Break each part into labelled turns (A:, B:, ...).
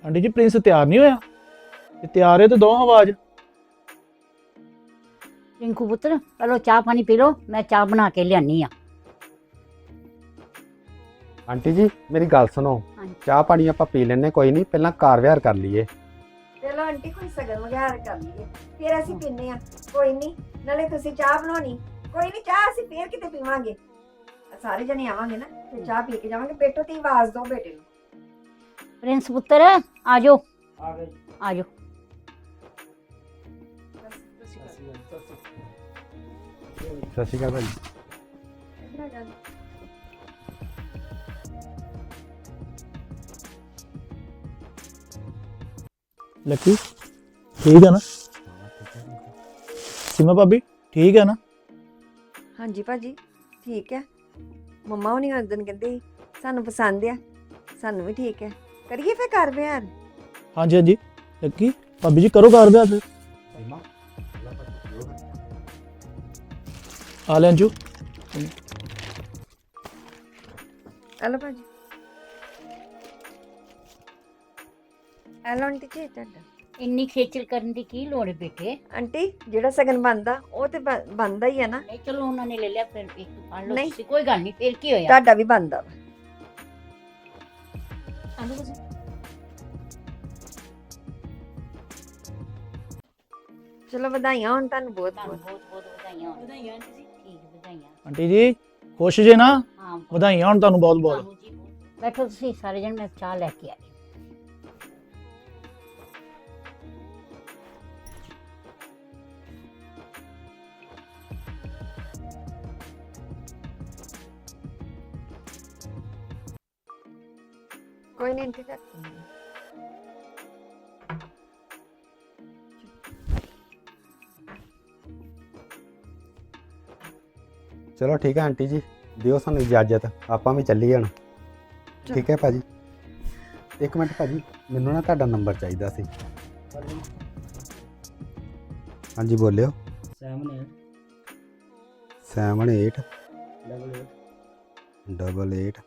A: Aunty ਜੀ Prince ਤਿਆਰ ਨਹੀਂ ਹੋਇਆ? ਜੇ ਤਿਆਰ ਹੈ ਤਾਂ ਦੋ ਆਵਾਜ਼।
B: ਰਿੰਕੂ ਪੁੱਤਰ ਚਲੋ ਚਾਹ ਪਾਣੀ ਪੀ ਲਓ, ਮੈਂ ਚਾਹ ਬਣਾ ਕੇ ਲਿਆਨੀ ਆ।
C: ਆਂਟੀ ਜੀ ਮੇਰੀ ਗੱਲ ਸੁਣੋ,
B: ਹਾਂਜੀ।
C: ਚਾਹ ਪਾਣੀ ਆਪਾਂ ਪੀ ਲੈਨੇ ਕੋਈ ਨਹੀਂ, ਪਹਿਲਾਂ ਕਾਰ ਵਿਹਾਰ ਕਰ ਲਈਏ।
D: ਚਲੋ ਆਂਟੀ ਕੋਈ ਸਗਨ ਵਗੈਰਾ ਕਰ ਲਈਏ ਫਿਰ ਅਸੀਂ ਪੀਨੇ ਆ। ਕੋਈ ਨਹੀਂ, ਨਾਲੇ ਤੁਸੀਂ ਚਾਹ ਬਣਾਉਣੀ, ਕੋਈ ਨਹੀਂ ਚਾਹ ਅਸੀਂ ਫੇਰ ਕਿਤੇ ਪੀਵਾਂਗੇ। ਸਾਰੇ ਜਣੇ ਆਵਾਂਗੇ ਨਾ ਤੇ ਚਾਹ ਪੀ ਕੇ ਜਾਵਾਂਗੇ। ਬੇਟੋ ਤੇ ਆਵਾਜ਼ ਦਿਓ ਬੇਟੇ ਨੂੰ।
B: ਪ੍ਰਿੰਸ ਪੁੱਤਰ ਆ ਜਾਓ, ਆ ਜਾਓ।
C: ਸਤਿ ਸ਼੍ਰੀ ਅਕਾਲ ਭਾਈ।
A: ਲੱਕੀ ਠੀਕ ਹੈ ਨਾ? ਸੀਮਾ ਭਾਬੀ ਠੀਕ ਹੈ ਨਾ?
D: ਹਾਂਜੀ ਭਾਜੀ ਠੀਕ ਹੈ। ਮੰਮਾ ਹੁਣੀ ਉਸ ਦਿਨ ਕਹਿੰਦੇ ਸੀ ਸਾਨੂੰ ਪਸੰਦ ਆ, ਸਾਨੂੰ ਵੀ ਠੀਕ ਹੈ। ਕਰੀਏ ਫੇਰ ਕਰ ਵਿਹਾਰ।
A: ਹਾਂਜੀ ਹਾਂਜੀ ਲੱਕੀ ਭਾਬੀ ਜੀ ਕਰੋ ਘਰ ਵਿਆਹ ਫਿਰ। ਆ ਲੈ ਅੰਜੂ।
D: ਹਲੋ ਭਾਜੀ, ਹਲੋ ਆਂਟੀ ਜੀ ਤੁਹਾਡਾ।
B: ਇੰਨੀ ਖੇਚਲ ਕਰਨ ਦੀ ਕੀ ਲੋੜ ਹੈ ਬੇਟੇ?
D: ਆਂਟੀ ਜਿਹੜਾ ਸਗਨ ਬਣਦਾ ਉਹ ਤੇ ਬਣਦਾ ਹੀ ਹੈ ਨਾ।
B: ਨਹੀਂ ਚਲੋ ਉਹਨਾਂ ਨੇ ਲੈ ਲਿਆ, ਫਿਰ ਇੱਕ ਫੜ ਲਓ
D: ਨਹੀਂ।
B: ਤੁਸੀਂ, ਕੋਈ ਗੱਲ ਨਹੀਂ, ਫਿਰ ਕੀ ਹੋਇਆ।
D: ਤੁਹਾਡਾ ਵੀ ਬਣਦਾ ਵਾ।
B: ਆਲੂ ਤੁਸੀਂ
D: ਚਲੋ ਵਧਾਈਆਂ ਹੁਣ ਤੁਹਾਨੂੰ ਬਹੁਤ
B: ਤੁਹਾਨੂੰ
D: ਬਹੁਤ।
B: ਬਹੁਤ ਬਹੁਤ ਵਧਾਈਆਂ ਹੋਣ। ਵਧਾਈਆਂ ਜੀ। ਠੀਕ ਵਧਾਈਆਂ।
A: ਆਂਟੀ ਜੀ ਖੁਸ਼ ਜੇ ਨਾ?
B: ਹਾਂ
A: ਵਧਾਈਆਂ ਹੁਣ ਤੁਹਾਨੂੰ ਬਹੁਤ ਬਹੁਤ।
B: ਤੁਹਾਨੂੰ ਜੀ ਬਹੁਤ। ਬੈਠੋ ਤੁਸੀਂ ਸਾਰੇ ਜਣ, ਮੈਂ ਚਾਹ ਲੈ ਕੇ ਆਈ।
D: ਕੋਈ ਨਹੀਂ ਆਂਟੀ
C: ਚਲੋ ਠੀਕ ਹੈ ਆਂਟੀ ਜੀ, ਦਿਓ ਸਾਨੂੰ ਇਜਾਜ਼ਤ, ਆਪਾਂ ਵੀ ਚੱਲੀਏ ਹੁਣ। ਠੀਕ ਹੈ ਭਾਜੀ। ਇੱਕ ਮਿੰਟ ਭਾਜੀ, ਮੈਨੂੰ ਨਾ ਤੁਹਾਡਾ ਨੰਬਰ ਚਾਹੀਦਾ ਸੀ। ਹਾਂਜੀ ਬੋਲਿਓ। 78 88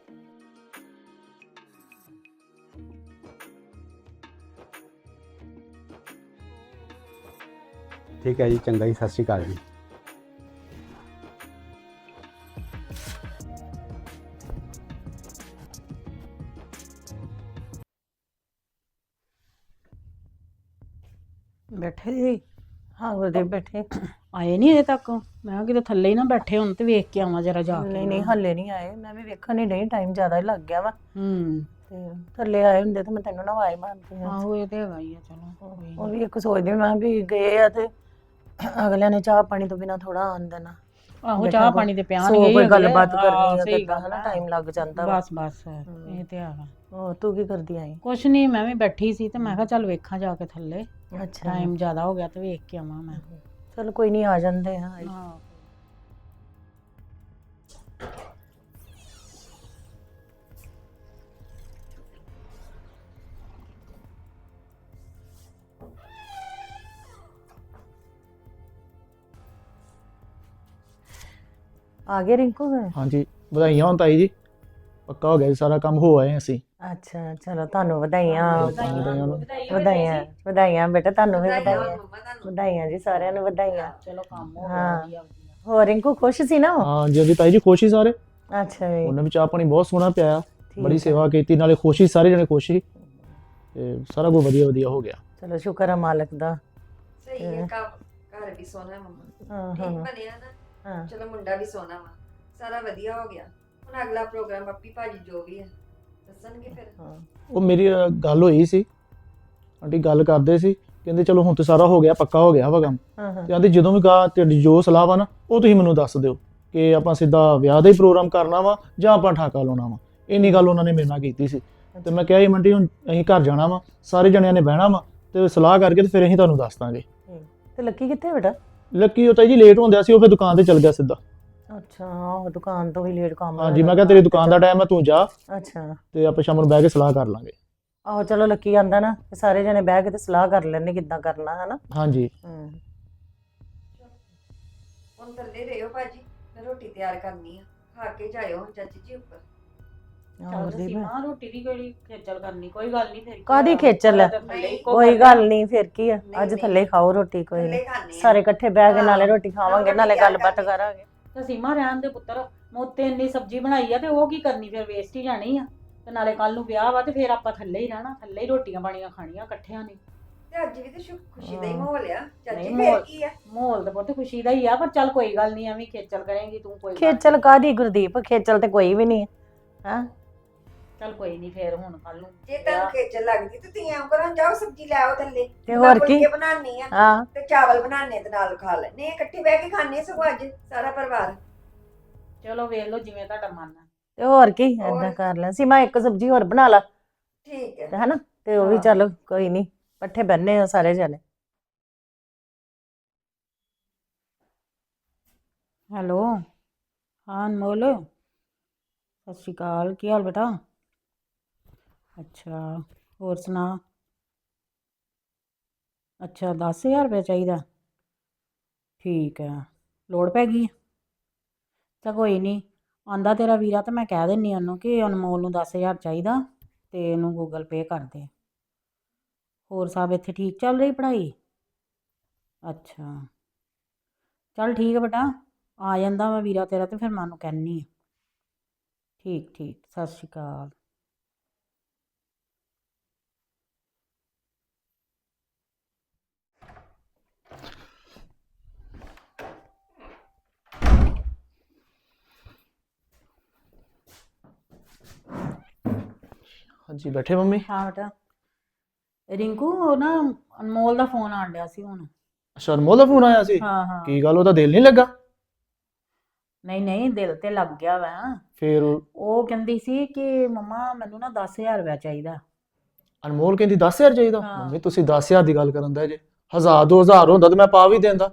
C: ਠੀਕ ਹੈ ਜੀ, ਚੰਗਾ ਜੀ, ਸਤਿ ਸ਼੍ਰੀ ਅਕਾਲ ਜੀ।
E: ਬੈਠੇ ਜੀ? ਹਾਂ ਗੁਰਦੇਵ ਬੈਠੇ। ਆਏ ਨਹੀਂ ਅਜੇ ਤੱਕ? ਮੈਂ ਕਿਹਾ ਕਿਤੇ ਥੱਲੇ ਹੀ ਨਾ ਬੈਠੇ ਹੁਣ, ਤੇ ਵੇਖ ਕੇ ਆਵਾਂ ਜਰਾ ਜਾ ਕੇ।
F: ਨਹੀਂ ਹੱਲੇ ਨਹੀਂ ਆਏ, ਮੈਂ ਵੀ ਵੇਖਣ ਨਹੀਂ ਡਈ, ਟਾਈਮ ਜ਼ਿਆਦਾ ਹੀ ਲੱਗ ਗਿਆ ਵਾ। ਤੇ ਥੱਲੇ ਆਏ ਹੁੰਦੇ ਤਾਂ ਮੈਂ ਤੈਨੂੰ ਨਾ ਆਵਾਜ਼ ਮਾਰਦੀ ਆ।
E: ਆਹੋ ਇਹ ਤੇ ਹੈਗਾ ਹੀ ਆ, ਚਲੋ ਕੋਈ
F: ਉਹ
E: ਨੀ।
F: ਵੀ ਇੱਕ ਸੋਚਦੀ ਮੈਂ ਵੀ ਗਏ ਆ ਤੇ ਅਗਲਿਆਂ ਨੇ ਚਾਹ ਪਾਣੀ ਤੋਂ ਬਿਨਾ ਥੋੜਾ ਆਉਣ ਦੇਣਾ।
E: ਆਹੋ ਚਾਹ ਪਾਣੀ ਤੇ ਪਿਆਣਗੇ
F: ਸੋ
E: ਹੀ
F: ਕੋਈ
E: ਅਗਲੇ।
F: ਗੱਲਬਾਤ ਕਰਨੀ ਆ
E: ਸਹੀ
F: ਕਿੱਦਾਂ
E: ਗੱਲ
F: ਹਨਾ,
E: ਆ।
F: ਟਾਈਮ ਲੱਗ ਜਾਂਦਾ ਵਾ।
E: ਬਸ ਇਹ ਤੇ ਹੈਗਾ।
F: ਹੋਰ ਤੂੰ ਕੀ ਕਰਦੀ ਆਈ?
E: ਕੁਛ ਨਹੀਂ, ਮੈਂ ਵੀ ਬੈਠੀ ਸੀ ਤੇ ਮੈਂ ਕਿਹਾ ਚੱਲ ਵੇਖਾਂ ਜਾ ਕੇ ਥੱਲੇ,
F: ਅੱਛਾ
E: ਟਾਈਮ ਜ਼ਿਆਦਾ ਹੋ ਗਿਆ ਤੇ ਵੇਖ ਕੇ ਆਵਾਂ ਮੈਂ।
F: ਚਲ ਕੋਈ ਨਹੀਂ, ਆ ਜਾਂਦੇ ਆ।
E: ਹਾਂ
F: ਆ ਗਏ ਰਿੰਕੂ?
A: ਹਾਂਜੀ ਵਧਾਈਆਂ ਹੋਣ ਤਾਈ ਜੀ, ਪੱਕਾ ਹੋ ਗਿਆ ਜੀ ਸਾਰਾ ਕੰਮ, ਹੋ ਆਏ ਅਸੀਂ।
F: ਅੱਛਾ ਚਲੋ ਤੁਹਾਨੂੰ ਵਧਾਈਆਂ।
A: ਵਧਾਈਆਂ ਹੋਣ।
F: ਵਧਾਈਆਂ ਵਧਾਈਆਂ ਬੇਟਾ, ਤੁਹਾਨੂੰ ਵੀ ਵਧਾਈਆਂ।
D: ਮੰਮਾ ਤੁਹਾਨੂੰ।
F: ਵਧਾਈਆਂ ਜੀ, ਸਾਰਿਆਂ ਨੂੰ ਵਧਾਈਆਂ।
E: ਚਲੋ ਕੰਮ ਹੋ
F: ਹਾਂ।
E: ਗਿਆ ਵਧੀਆ ਵਧੀਆ।
F: ਹੋਰ ਰਿੰਕੂ ਖੁਸ਼ ਸੀ ਨਾ ਉਹ?
A: ਹਾਂ ਜੀ ਹਾਂਜੀ ਤਾਈ ਜੀ ਖੁਸ਼ ਹੀ ਸਾਰੇ।
F: ਅੱਛਾ ਜੀ,
A: ਉਹਨੇ ਵੀ ਚਾਹ ਪਾਣੀ ਬਹੁਤ ਸੋਹਣਾ ਪਿਆਇਆ,
F: ਠੀਕ
A: ਬੜੀ
F: ਆ।
A: ਸੇਵਾ ਕੀਤੀ, ਨਾਲੇ ਖੁਸ਼ ਸੀ, ਸਾਰੇ ਜਣੇ ਖੁਸ਼ ਸੀ ਤੇ ਸਾਰਾ ਕੁਝ ਵਧੀਆ ਵਧੀਆ ਹੋ ਗਿਆ।
F: ਚਲੋ ਸ਼ੁਕਰ ਆ ਮਾਲਕ ਦਾ।
D: ਸਹੀ ਹੈ, ਘਰ ਵੀ ਸੋਹਣਾ ਮੰਮਾ।
F: ਹਾਂ
D: ਠੀਕ
F: ਹਾਂ
D: ਬਣਿਆ ਨਾ।
F: ਹਾਂ
D: ਚਲੋ ਮੁੰਡਾ ਵੀ ਸੋਹਣਾ ਵਾ, ਸਾਰਾ ਵਧੀਆ ਹੋ ਗਿਆ। ਹੁਣ ਅਗਲਾ ਪ੍ਰੋਗਰਾਮ ਪੱਪੀ ਭਾਜੀ ਜੋ ਵੀ ਹੈ ਦੱਸਣਗੇ ਫਿਰ।
F: ਹਾਂ।
A: ਉਹ ਮੇਰੀ ਗੱਲ ਹੋਈ ਸੀ, ਆਂਟੀ ਗੱਲ ਕਰਦੇ ਸੀ, ਕਹਿੰਦੇ ਚਲੋ ਹੁਣ ਤੇ ਸਾਰਾ ਹੋ ਗਿਆ, ਪੱਕਾ ਹੋ ਗਿਆ ਵਾ ਕੰਮ।
F: ਹਾਂ
A: ਤੇ ਆਂਦੇ ਜਦੋਂ ਵੀ ਗਾ ਤੁਹਾਡੀ ਜੋ ਸਲਾਹ ਵਾ ਨਾ, ਉਹ ਤੁਸੀਂ ਮੈਨੂੰ ਦੱਸ ਦਿਓ ਕਿ ਆਪਾਂ ਸਿੱਧਾ ਵਿਆਹ ਦਾ ਹੀ ਪ੍ਰੋਗਰਾਮ ਕਰਨਾ ਵਾ ਜਾਂ ਆਪਾਂ ਠਾਕਾ ਲਾਉਣਾ ਵਾ। ਇੰਨੀ ਗੱਲ ਉਹਨਾਂ ਨੇ ਮੇਰੇ ਨਾਲ ਕੀਤੀ ਸੀ ਤੇ ਮੈਂ ਕਿਹਾ ਜੀ ਮੰਡੀ ਹੁਣ ਅਸੀਂ ਘਰ ਜਾਣਾ ਵਾ, ਸਾਰੇ ਜਣਿਆਂ ਨੇ ਬਹਿਣਾ ਵਾ ਤੇ ਸਲਾਹ ਕਰਕੇ ਤੇ ਫਿਰ ਅਸੀਂ ਤੁਹਾਨੂੰ ਦੱਸ ਦਾਂਗੇ।
F: ਤੇ ਲੱਕੀ ਕਿੱਥੇ ਬੇਟਾ?
A: ਲੱਕੀ ਉਹ ਤਾਂ ਜੀ ਲੇਟ ਹੁੰਦਿਆ ਸੀ, ਉਹ ਫਿਰ ਦੁਕਾਨ ਤੇ ਚਲ ਗਿਆ ਸਿੱਧਾ।
F: ਅੱਛਾ, ਉਹ ਦੁਕਾਨ ਤੋਂ ਵੀ ਲੇਟ ਕੰਮ
A: ਹਾਂਜੀ ਮੈਂ ਕਿਹਾ ਤੇਰੀ ਦੁਕਾਨ ਦਾ ਟਾਈਮ ਹੈ, ਤੂੰ ਜਾ
F: ਅੱਛਾ।
A: ਤੇ ਆਪਾਂ ਸ਼ਾਮ ਨੂੰ ਬਹਿ ਕੇ ਸਲਾਹ ਕਰ ਲਾਂਗੇ।
F: ਆਹੋ ਚਲੋ ਲੱਕੀ ਆਂਦਾ ਨਾ ਤੇ ਸਾਰੇ ਜਣੇ ਬਹਿ ਕੇ ਤੇ ਸਲਾਹ ਕਰ ਲੈਣੇ ਕਿੱਦਾਂ ਕਰਨਾ ਹੈ ਨਾ।
A: ਹਾਂਜੀ
D: ਹੁਣ ਥੱਲੇ ਰਹਿਓ ਭਾਜੀ, ਮੈਂ ਰੋਟੀ ਤਿਆਰ ਕਰਨੀ ਆ, ਖਾ ਕੇ ਜਾਇਓ ਹੁਣ ਚਾਚੀ ਜੀ ਉੱਪਰ।
F: ਆਹੋ
E: ਚੱਲ
F: ਗੁਰਦੀਪ।
E: ਸੀਮਾ ਰੋਟੀ ਦੀ ਕੋਈ ਖੇਚਲ ਕਰਨੀ ਕੋਈ ਗੱਲ ਨਹੀਂ ਫਿਰ ਕੀ
F: ਕਾਹਦੀ
E: ਹੋਇਆ?
F: ਖੇਚਲ ਹੈ?
E: ਤਾਂ ਥੱਲੇ ਹੀ
F: ਕੋਈ ਗੱਲ ਨਹੀਂ, ਫਿਰ ਕੀ ਆ,
D: ਨਹੀਂ,
F: ਅੱਜ
D: ਨਹੀਂ।
F: ਥੱਲੇ ਖਾਓ ਰੋਟੀ, ਕੋਈ
D: ਥੱਲੇ
F: ਨਹੀਂ
D: ਖਾਣੇ
F: ਸਾਰੇ ਇਕੱਠੇ ਬਹਿ ਕੇ ਨਾਲੇ
D: ਹਾਂ।
F: ਰੋਟੀ ਖਾਵਾਂਗੇ
D: ਰੋਟੀ
F: ਨਾਲੇ
D: ਤਿਆਰ
F: ਗੱਲਬਾਤ
D: ਕਰਕੇ।
F: ਕਰਾਂਗੇ।
E: ਤੇ ਸੀਮਾ ਰਹਿਣ ਦੇ ਪੁੱਤਰ, ਮੋਤੇ ਇੰਨੀ ਸਬਜ਼ੀ ਬਣਾਈ ਆ ਤੇ ਉਹ ਕੀ ਕਰਨੀ, ਫਿਰ ਵੇਸਟ ਹੀ ਜਾਣੀ ਆ। ਤੇ ਨਾਲੇ ਕੱਲ ਨੂੰ ਵਿਆਹ ਵਾ ਤੇ ਫਿਰ ਆਪਾਂ ਥੱਲੇ ਹੀ ਰਹਿਣਾ, ਥੱਲੇ ਹੀ ਰੋਟੀਆਂ ਪਾਣੀਆਂ ਖਾਣੀਆਂ ਇਕੱਠਿਆਂ ਨੇ।
D: ਤੇ ਅੱਜ ਵੀ ਤੇ ਖੁਸ਼ੀ ਦਾ ਹੀ ਮਾਹੌਲ ਆ ਚਾਚੀ,
E: ਨਹੀਂ,
D: ਫਿਰ
E: ਮਾਹੌਲ-
D: ਕੀ ਆ?
E: ਮਾਹੌਲ ਤਾਂ ਬਹੁਤ ਖੁਸ਼ੀ ਦਾ ਹੀ ਆ, ਪਰ ਚੱਲ ਕੋਈ ਗੱਲ ਨਹੀਂ, ਐਵੇਂ ਖੇਚਲ ਕਰੇਂਗੀ ਤੂੰ, ਕੋਈ ਗੱਲ
F: ਖੇਚਲ ਕਾਹਦੀ ਗੁਰਦੀਪ, ਖੇਚਲ ਤੇ ਕੋਈ ਵੀ ਨਹੀਂ ਹੈ।
E: ਚੱਲ ਕੋਈ ਨਹੀਂ, ਫਿਰ ਹੁਣ ਕੱਲ ਨੂੰ
D: ਜੇ ਤੁਹਾਨੂੰ ਖੇਚਲ ਲੱਗਦੀ ਤੇ ਤੁਸੀਂ ਐਂ ਕਰੋ, ਜਾਓ ਸਬਜ਼ੀ ਲੈ ਆਓ ਥੱਲੇ,
F: ਤੇ ਹੋਰ ਕੀ,
D: ਫੁਲਕੇ ਬਣਾਉਣੀ ਆ
F: ਹਾਂ
D: ਤੇ ਚਾਵਲ ਬਣਾਉਣੇ ਤੇ ਨਾਲ ਖਾ ਲੈਣੇ, ਇਕੱਠੇ ਬਹਿ ਕੇ ਖਾਣੇ ਸਗੋਂ ਅੱਜ ਸਾਰਾ ਪਰਿਵਾਰ।
E: ਚਲੋ ਵੇਖ ਲਓ ਜਿਵੇਂ ਤੁਹਾਡਾ ਮਨ ਆ।
F: ਤੇ ਹੋਰ ਕੀ,
D: ਹੋਰ?
F: ਏਦਾਂ ਕਰ ਲੈ ਸੀਮਾ, ਇੱਕ ਸਬਜ਼ੀ ਹੋਰ ਬਣਾ ਲਾ
D: ਠੀਕ ਹੈ।
F: ਤੇ ਹਨਾ, ਤੇ ਉਹ ਵੀ
E: ਹਾਂ।
F: ਚੱਲ ਕੋਈ ਨਹੀਂ, ਇਕੱਠੇ ਬੰਨੇ ਆ ਸਾਰੇ ਜਣੇ।
E: ਹੈਲੋ, ਹਾਂ ਅਨਮੋਲ, ਸਤਿ ਸ਼੍ਰੀ ਅਕਾਲ, ਕੀ ਹਾਲ ਬੇਟਾ? ਅੱਛਾ, ਹੋਰ ਸੁਣਾ? ਅੱਛਾ 10,000 ਰੁਪਏ ਚਾਹੀਦਾ, ਠੀਕ ਹੈ, ਲੋੜ ਪੈ ਗਈ? ਤਾਂ ਕੋਈ ਨਹੀਂ, ਆਂਦਾ ਤੇਰਾ ਵੀਰਾ, ਤਾਂ ਮੈਂ ਕਹਿ ਦਿੰਨੀ ਉਹਨੂੰ ਕਿ ਅਨਮੋਲ ਨੂੰ 10,000 ਚਾਹੀਦਾ ਤੇ ਇਹਨੂੰ ਗੂਗਲ ਪੇ ਕਰ ਦੇ। ਹੋਰ ਸਭ ਇੱਥੇ ਠੀਕ ਚੱਲ ਰਹੀ ਪੜ੍ਹਾਈ? ਅੱਛਾ, ਚੱਲ ਠੀਕ ਹੈ ਬੇਟਾ, ਆ ਜਾਂਦਾ ਵਾ ਵੀਰਾ ਤੇਰਾ ਤੇ ਫਿਰ ਮੈਂ ਉਹਨੂੰ ਕਹਿੰਨੀ ਆ। ਠੀਕ ਠੀਕ, ਸਤਿ ਸ਼੍ਰੀ ਅਕਾਲ।
A: ਹਾਂਜੀ ਬੈਠੇ ਮੰਮੀ?
E: ਹਾਂ ਬੇਟਾ, ਰਿੰਕੂ ਉਹ ਨਾ ਅਨਮੋਲ ਦਾ ਫੋਨ ਆਣ ਡਿਆ ਸੀ ਹੁਣ।
A: ਅੱਛਾ ਅਨਮੋਲ ਦਾ ਫੋਨ ਆਇਆ ਸੀ?
E: ਹਾਂ ਹਾਂ,
A: ਕੀ ਗੱਲ, ਉਹਦਾ ਦਿਲ ਨਹੀਂ ਲੱਗਾ?
E: ਨਹੀਂ ਨਹੀਂ, ਦਿਲ ਤੇ ਲੱਗ ਗਿਆ ਵਾ।
A: ਫਿਰ
E: ਉਹ ਕਹਿੰਦੀ ਸੀ ਕਿ ਮੰਮਾ ਮੈਨੂੰ ਨਾ 10,000 ਰੁਪਇਆ ਚਾਹੀਦਾ।
A: ਅਨਮੋਲ ਕਹਿੰਦੀ 10,000 ਚਾਹੀਦਾ?
E: ਹਾਂ।
A: ਮੰਮੀ ਤੁਸੀਂ 10,000 ਦੀ ਗੱਲ ਕਰਨ ਦਾ ਜੇ, 1000 2000 ਹੁੰਦਾ ਤੇ ਮੈਂ ਪਾ ਵੀ ਦਿੰਦਾ।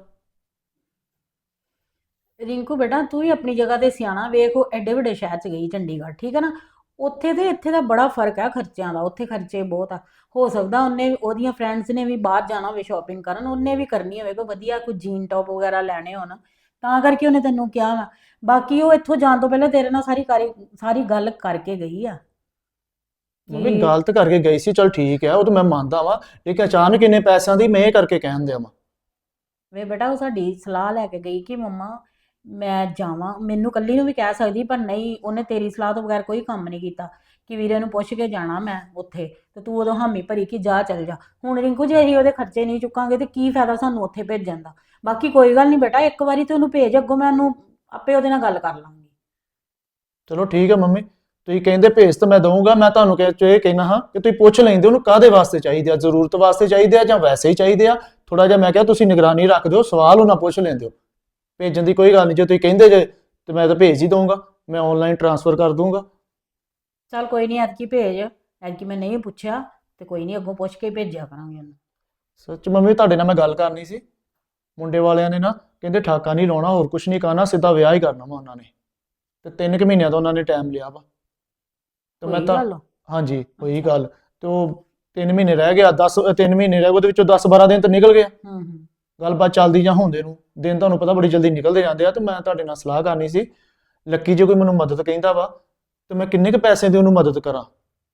E: ਰਿੰਕੂ ਬੇਟਾ, ਤੂੰ ਵੀ ਆਪਣੀ ਜਗ੍ਹਾ ਤੇ ਸਿਆਣਾ, ਵੇਖ ਉਹ ਐਡੇ ਵੱਡੇ ਸ਼ਹਿਰ ਚ ਗਈ ਚੰਡੀਗੜ੍ਹ, ਠੀਕ ਹੈ ਨਾ, ਉੱਥੇ ਤੇ ਇੱਥੇ ਦਾ ਬੜਾ ਫਰਕ ਹੈ ਖਰਚਿਆਂ ਦਾ, ਉੱਥੇ ਖਰਚੇ ਬਹੁਤ ਆ। ਹੋ ਸਕਦਾ ਉਹਨੇ ਉਹਦੀਆਂ ਫਰੈਂਡਸ ਨੇ ਵੀ ਬਾਹਰ ਜਾਣਾ ਹੋਵੇ ਸ਼ਾਪਿੰਗ ਕਰਨ, ਉਹਨੇ ਵੀ ਕਰਨੀ ਹੋਵੇ ਕੋਈ ਵਧੀਆ ਕੋਈ ਜੀਨ ਟੌਪ ਵਗੈਰਾ ਲੈਣੇ ਹੋਣ, ਤਾਂ ਕਰਕੇ ਉਹਨੇ ਤੈਨੂੰ ਕਿਹਾ ਵਾ। ਬਾਕੀ ਉਹ ਇੱਥੋਂ ਜਾਣ ਤੋਂ ਪਹਿਲਾਂ ਤੇਰੇ ਨਾਲ ਸਾਰੀ ਗੱਲ ਕਰਕੇ ਗਈ ਆ
A: ਮੰਮੀ
E: ਕਿ
A: ਗਲਤ ਕਰਕੇ ਗਈ ਸੀ, ਚਲ ਠੀਕ ਹੈ, ਉਹ ਤਾਂ ਮੈਂ ਮੰਨਦਾ ਵਾਂ, ਲੇਕਿਨ ਅਚਾਨਕ ਇੰਨੇ ਪੈਸਿਆਂ ਦੀ ਮੈਂ ਇਹ ਕਰਕੇ ਕਹਿਣ ਦਿਆਂ ਵਾਂ।
E: ਵੇ ਬੇਟਾ, ਉਹ ਸਾਡੀ ਸਲਾਹ ਲੈ ਕੇ ਗਈ ਕਿ ਮੰਮਾ ਮੈਂ ਜਾਵਾਂ, ਮੈਨੂੰ ਕੱਲੀ ਨੂੰ ਵੀ ਕਹਿ ਸਕਦੀ, ਪਰ ਨਹੀਂ, ਉਹਨੇ ਤੇਰੀ ਸਲਾਹ ਤੋਂ ਬਗੈਰ ਕੋਈ ਕੰਮ ਨਹੀਂ ਕੀਤਾ ਕਿ ਵੀਰੇ ਨੂੰ ਪੁੱਛ ਕੇ ਜਾਣਾ ਮੈਂ ਉੱਥੇ, ਤੇ ਤੂੰ ਉਦੋਂ ਹਾਮੀ ਭਰੀ ਕਿ ਜਾ ਚੱਲ ਜਾ। ਹੁਣ ਰਿੰਕੂ ਜੇ ਅਸੀਂ ਉਹਦੇ ਖਰਚੇ ਨਹੀਂ ਚੁੱਕਾਂਗੇ ਤੇ ਕੀ ਫਾਇਦਾ ਸਾਨੂੰ ਉੱਥੇ ਭੇਜਣ ਦਾ। ਬਾਕੀ ਕੋਈ ਗੱਲ ਨਹੀਂ ਬੇਟਾ, ਇੱਕ ਵਾਰੀ ਤੇ ਉਹਨੂੰ ਭੇਜ, ਅੱਗੋਂ ਮੈਂ ਉਹਨੂੰ ਆਪੇ ਉਹਦੇ ਨਾਲ ਗੱਲ ਕਰ ਲਾਂਗੀ।
A: ਚਲੋ ਠੀਕ ਹੈ ਮੰਮੀ, ਤੁਸੀਂ ਕਹਿੰਦੇ ਭੇਜ ਤਾਂ ਮੈਂ ਦਊਂਗਾ, ਮੈਂ ਤੁਹਾਨੂੰ ਇਹ ਕਹਿਣਾ ਹਾਂ ਕਿ ਤੁਸੀਂ ਪੁੱਛ ਲੈਂਦੇ ਉਹਨੂੰ ਕਾਹਦੇ ਵਾਸਤੇ ਚਾਹੀਦੇ ਆ, ਜ਼ਰੂਰਤ ਵਾਸਤੇ ਚਾਹੀਦੇ ਆ ਜਾਂ ਵੈਸੇ ਹੀ ਚਾਹੀਦੇ ਆ। ਥੋੜਾ ਜਿਹਾ ਮੈਂ ਕਿਹਾ ਤੁਸੀਂ ਨਿਗਰਾਨੀ ਰੱਖ ਦਿਓ, ਸਵਾਲ ਉਹਨਾਂ ਪੁੱਛ ਲੈਂਦੇ ਹੋ। ਭੇਜਣ ਦੀ ਕੋਈ ਗੱਲ ਨਹੀਂ, ਜੇ ਤੁਸੀਂ ਕਹਿੰਦੇ ਜੇ ਤੇ ਮੈਂ ਤਾਂ ਭੇਜ ਹੀ ਦਊਂਗਾ, ਮੈਂ ਆਨਲਾਈਨ ਟ੍ਰਾਂਸਫਰ ਕਰ ਦੂੰਗਾ।
E: ਚੱਲ ਕੋਈ ਨਹੀਂ, ਐਤਕੀ ਭੇਜ, ਐਤਕੀ ਮੈਂ ਨਹੀਂ ਪੁੱਛਿਆ ਤੇ ਕੋਈ ਨਹੀਂ, ਅੱਗੋਂ ਪੁੱਛ ਕੇ ਹੀ ਭੇਜਿਆ ਕਰਾਂਗੇ ਉਹਨੂੰ।
A: ਸੱਚ ਮੰਮੀ, ਤੁਹਾਡੇ ਨਾਲ ਮੈਂ ਗੱਲ ਕਰਨੀ ਸੀ। ਮੁੰਡੇ ਵਾਲਿਆਂ ਨੇ ਨਾ ਕਹਿੰਦੇ ਠਾਕਾ ਨਹੀਂ ਲਾਉਣਾ, ਹੋਰ ਕੁਝ ਨਹੀਂ ਕਰਨਾ, ਸਿੱਧਾ ਵਿਆਹ ਹੀ ਕਰਨਾ ਵਾ ਉਹਨਾਂ ਨੇ, ਤੇ 3 ਕੁ ਮਹੀਨਿਆਂ ਦਾ ਉਹਨਾਂ ਨੇ ਟਾਈਮ ਲਿਆ ਵਾ। ਤੇ ਮੈਂ
E: ਹੋਈ
A: ਤਾਂ
E: ਗੱਲ?
A: ਹਾਂਜੀ ਹੋਈ
E: ਅੱਛਾ।
A: ਗੱਲ, ਤੇ ਉਹ 3 ਮਹੀਨੇ ਰਹਿ ਗਿਆ, 3 ਮਹੀਨੇ ਰਹਿ ਗਏ, ਉਹਦੇ ਵਿੱਚੋਂ 10-12 ਦਿਨ ਤਾਂ ਨਿਕਲ ਗਿਆ।
E: ਹੂੰ।
A: ਗੱਲਬਾਤ ਚੱਲਦੀ ਜਾਂ ਹੁੰਦੇ ਨੂੰ ਦਿਨ ਤੁਹਾਨੂੰ ਪਤਾ ਬੜੀ ਜਲਦੀ ਨਿਕਲਦੇ ਜਾਂਦੇ ਆ। ਤੇ ਮੈਂ ਤੁਹਾਡੇ ਨਾਲ ਸਲਾਹ ਕਰਨੀ ਸੀ, ਲੱਕੀ ਜੇ ਕੋਈ ਮੈਨੂੰ ਮਦਦ ਕਹਿੰਦਾ ਵਾ ਤੇ ਮੈਂ ਕਿੰਨੇ ਕੁ ਪੈਸੇ ਦੀ ਉਹਨੂੰ ਮਦਦ ਕਰਾਂ?